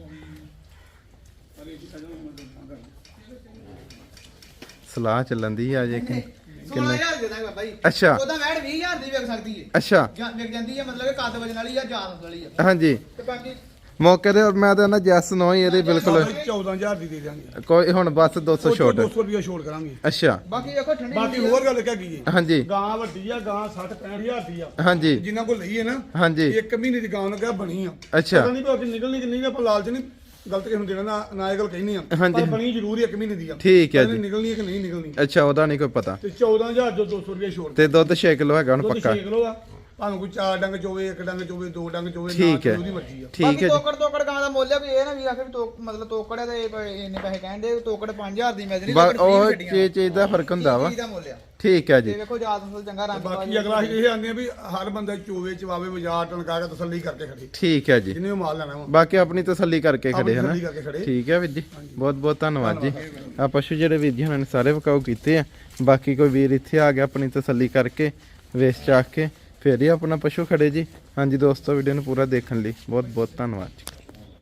Speaker 1: ਸਲਾਹ ਚੱਲਣ ਦੀ ਆ ਜੇ ਕਿ
Speaker 3: ਸੋਲਾਂ ਹਜ਼ਾਰ ਦੇ ਦਾਂਗੇ ਬਾਬਾ ਜੀ।
Speaker 1: ਅੱਛਾ।
Speaker 3: ਉਹਦਾ ਵੈੜ ਵੀਹ ਹਜ਼ਾਰ ਦੀ ਵਿਕ ਸਕਦੀ ਹੈ।
Speaker 1: ਅੱਛਾ
Speaker 3: ਜਾਂ ਵਿਕ ਜਾਂਦੀ ਹੈ ਮਤਲਬ ਕਿ ਕੱਦ ਵਜਣ ਵਾਲੀ ਆ ਜਾਨ ਵਾਲੀ ਆ
Speaker 1: ਹਾਂਜੀ
Speaker 3: ਤੇ ਬਾਕੀ
Speaker 1: ਮੌਕੇ ਤੇ ਮੈਂ ਤਾਂ ਨਾ ਜੈਸ ਨੋ ਹੀ ਇਹਦੇ ਬਿਲਕੁਲ
Speaker 2: ਚੌਦਾਂ ਹਜ਼ਾਰ ਦੀ ਦੇ ਦਿਆਂਗੇ।
Speaker 1: ਕੋਈ ਹੁਣ ਬਸ ਦੋ ਸੌ ਛੋਟ।
Speaker 2: ਦੋ ਸੌ ਰੁਪਏ ਛੋੜ ਕਰਾਂਗੇ।
Speaker 1: ਅੱਛਾ
Speaker 3: ਬਾਕੀ ਦੇਖੋ ਠੰਡੀ
Speaker 2: ਬਾਕੀ
Speaker 3: ਠੰਡੀ ਆ।
Speaker 2: ਹੋਰ ਗੱਲ ਕਿਆ ਕੀ ਹੈ,
Speaker 1: ਹਾਂਜੀ
Speaker 2: ਗਾਂ ਵੱਡੀ ਆ, ਗਾਂ ਸੱਠ ਪੈਂਹਠ ਹਜ਼ਾਰ ਦੀ ਆ।
Speaker 1: ਹਾਂਜੀ
Speaker 2: ਜਿਨ੍ਹਾਂ ਕੋਲ ਲਈ ਹੈ ਨਾ
Speaker 1: ਹਾਂਜੀ
Speaker 2: ਇੱਕ ਮਹੀਨੇ ਦੀ ਗਾਂ ਲਗਾ ਬਣੀ ਆ।
Speaker 1: ਅੱਛਾ।
Speaker 2: ਪਤਾ ਨਹੀਂ ਭਾਵੇਂ ਨਿਕਲਣੀ ਕਿ ਨਹੀਂ, ਆਪਾਂ ਲਾਲਚ ਨਹੀਂ ਗਲਤ ਕਿਸੇ ਨੂੰ ਦੇਣਾ ਨਾ ਨਾ ਇਹ ਗੱਲ ਕਹਿਣੀ ਆ।
Speaker 1: ਹਾਂਜੀ।
Speaker 2: ਪਰ ਬਣੀ ਜ਼ਰੂਰ ਇੱਕ ਮਹੀਨੇ ਦੀ ਆ।
Speaker 1: ਠੀਕ ਹੈ
Speaker 2: ਪਤਾ ਨੀ
Speaker 1: ਜੀ।
Speaker 2: ਨਿਕਲਣੀ ਹੈ ਕਿ ਨਹੀਂ ਨਿਕਲਣੀ।
Speaker 1: ਅੱਛਾ ਉਹਦਾ ਨਹੀਂ ਕੋਈ ਪਤਾ।
Speaker 2: ਤੇ ਚੌਦਾਂ ਹਜ਼ਾਰ ਜੋ ਦੋ ਸੌ ਰੁਪਏ ਛੋੜ
Speaker 1: ਤੇ ਦੁੱਧ ਛੇ ਕਿਲੋ ਹੈਗਾ ਹੁਣ
Speaker 2: ਦੁੱਧ
Speaker 1: ਪੱਕਾ?
Speaker 2: ਛੇ ਕਿਲੋ ਆ। ਭਾਵੇਂ ਕੋਈ ਚਾਰ ਡੰਗ ਚੋਵੇ ਇੱਕ ਡੰਗ ਚੋਵੇ ਦੋ ਡੰਗ ਚੋਵੇ ਨਾ
Speaker 1: ਠੀਕ ਹੈ।
Speaker 2: ਚੋਵੇ, ਉਹਦੀ ਮਰਜ਼ੀ ਆ।
Speaker 1: ਠੀਕ
Speaker 3: ਬਾਕੀ
Speaker 1: ਹੈ ਜੀ
Speaker 3: ਤੋਕੜ ਤੋਕੜ ਗਾਂ ਦਾ ਮੁੱਲ ਆ ਵੀ ਇਹ ਨਾ ਵੀ ਆਖੇ ਵੀ ਤੋਕ ਮਤਲਬ ਤੋਕੜ ਹੈ ਤੇ ਇਹ ਇੰਨੇ ਪੈਸੇ ਕਹਿੰਦੇ ਤੋਕੜ ਪੰਜ ਹਜ਼ਾਰ ਦੀ ਮਿਲਦੀ
Speaker 1: ਬਸ ਉਹ ਚੀਜ਼ ਚੀਜ਼ ਦਾ ਫਰਕ ਹੁੰਦਾ ਵਾ।
Speaker 3: ਚੀਜ਼ ਦਾ ਮੁੱਲ ਆ
Speaker 1: ਠੀਕ ਹੈ ਜੀ
Speaker 3: ਤੇ ਵੇਖੋ ਜਾਤ ਫਸਲ ਚੰਗਾ ਰੰਗ
Speaker 2: ਬਾਕੀ ਅਗਲਾ ਅਸੀਂ ਇਹ ਆਂਦੇ ਆ ਵੀ ਹਰ ਬੰਦਾ ਚੋਵੇ ਚਵਾਵੇ ਬਾਜ਼ਾਰ ਟਣਕਾ ਕੇ ਤਸੱਲੀ ਕਰਕੇ ਖੜੇ
Speaker 1: ਠੀਕ ਹੈ ਜੀ
Speaker 2: ਜਿਹਨੇ ਉਹ ਮਾਲ ਲੈਣਾ ਵਾ
Speaker 1: ਬਾਕੀ ਆਪਣੀ ਤਸੱਲੀ ਕਰਕੇ ਖੜੇ
Speaker 2: ਆਪਣੀ
Speaker 1: ਹਨਾ
Speaker 2: ਤਸੱਲੀ ਕਰਕੇ ਖੜੇ।
Speaker 1: ਠੀਕ ਹੈ ਵੀਰ ਜੀ ਬਹੁਤ ਬਹੁਤ ਧੰਨਵਾਦ ਜੀ ਆ ਪਸ਼ੂ ਜਿਹੜੇ ਵੀਰ ਜੀ ਹੁਣਾਂ ਨੇ ਸਾਰੇ ਵਿਕਾਊ ਕੀਤੇ ਆ ਬਾਕੀ ਕੋਈ ਵੀਰ ਇੱਥੇ ਆ ਗਿਆ ਆਪਣੀ ਤਸੱਲੀ ਕਰਕੇ ਵੇਚ ਚਾਕ ਕੇ ਫਿਰ ਹੀ ਆਪਣਾ ਪਸ਼ੂ ਖੜੇ ਜੀ ਹਾਂਜੀ ਦੋਸਤੋ ਵੀਡੀਓ ਨੂੰ ਪੂਰਾ ਦੇਖਣ ਲਈ ਬਹੁਤ ਬਹੁਤ ਧੰਨਵਾਦ ਜੀ।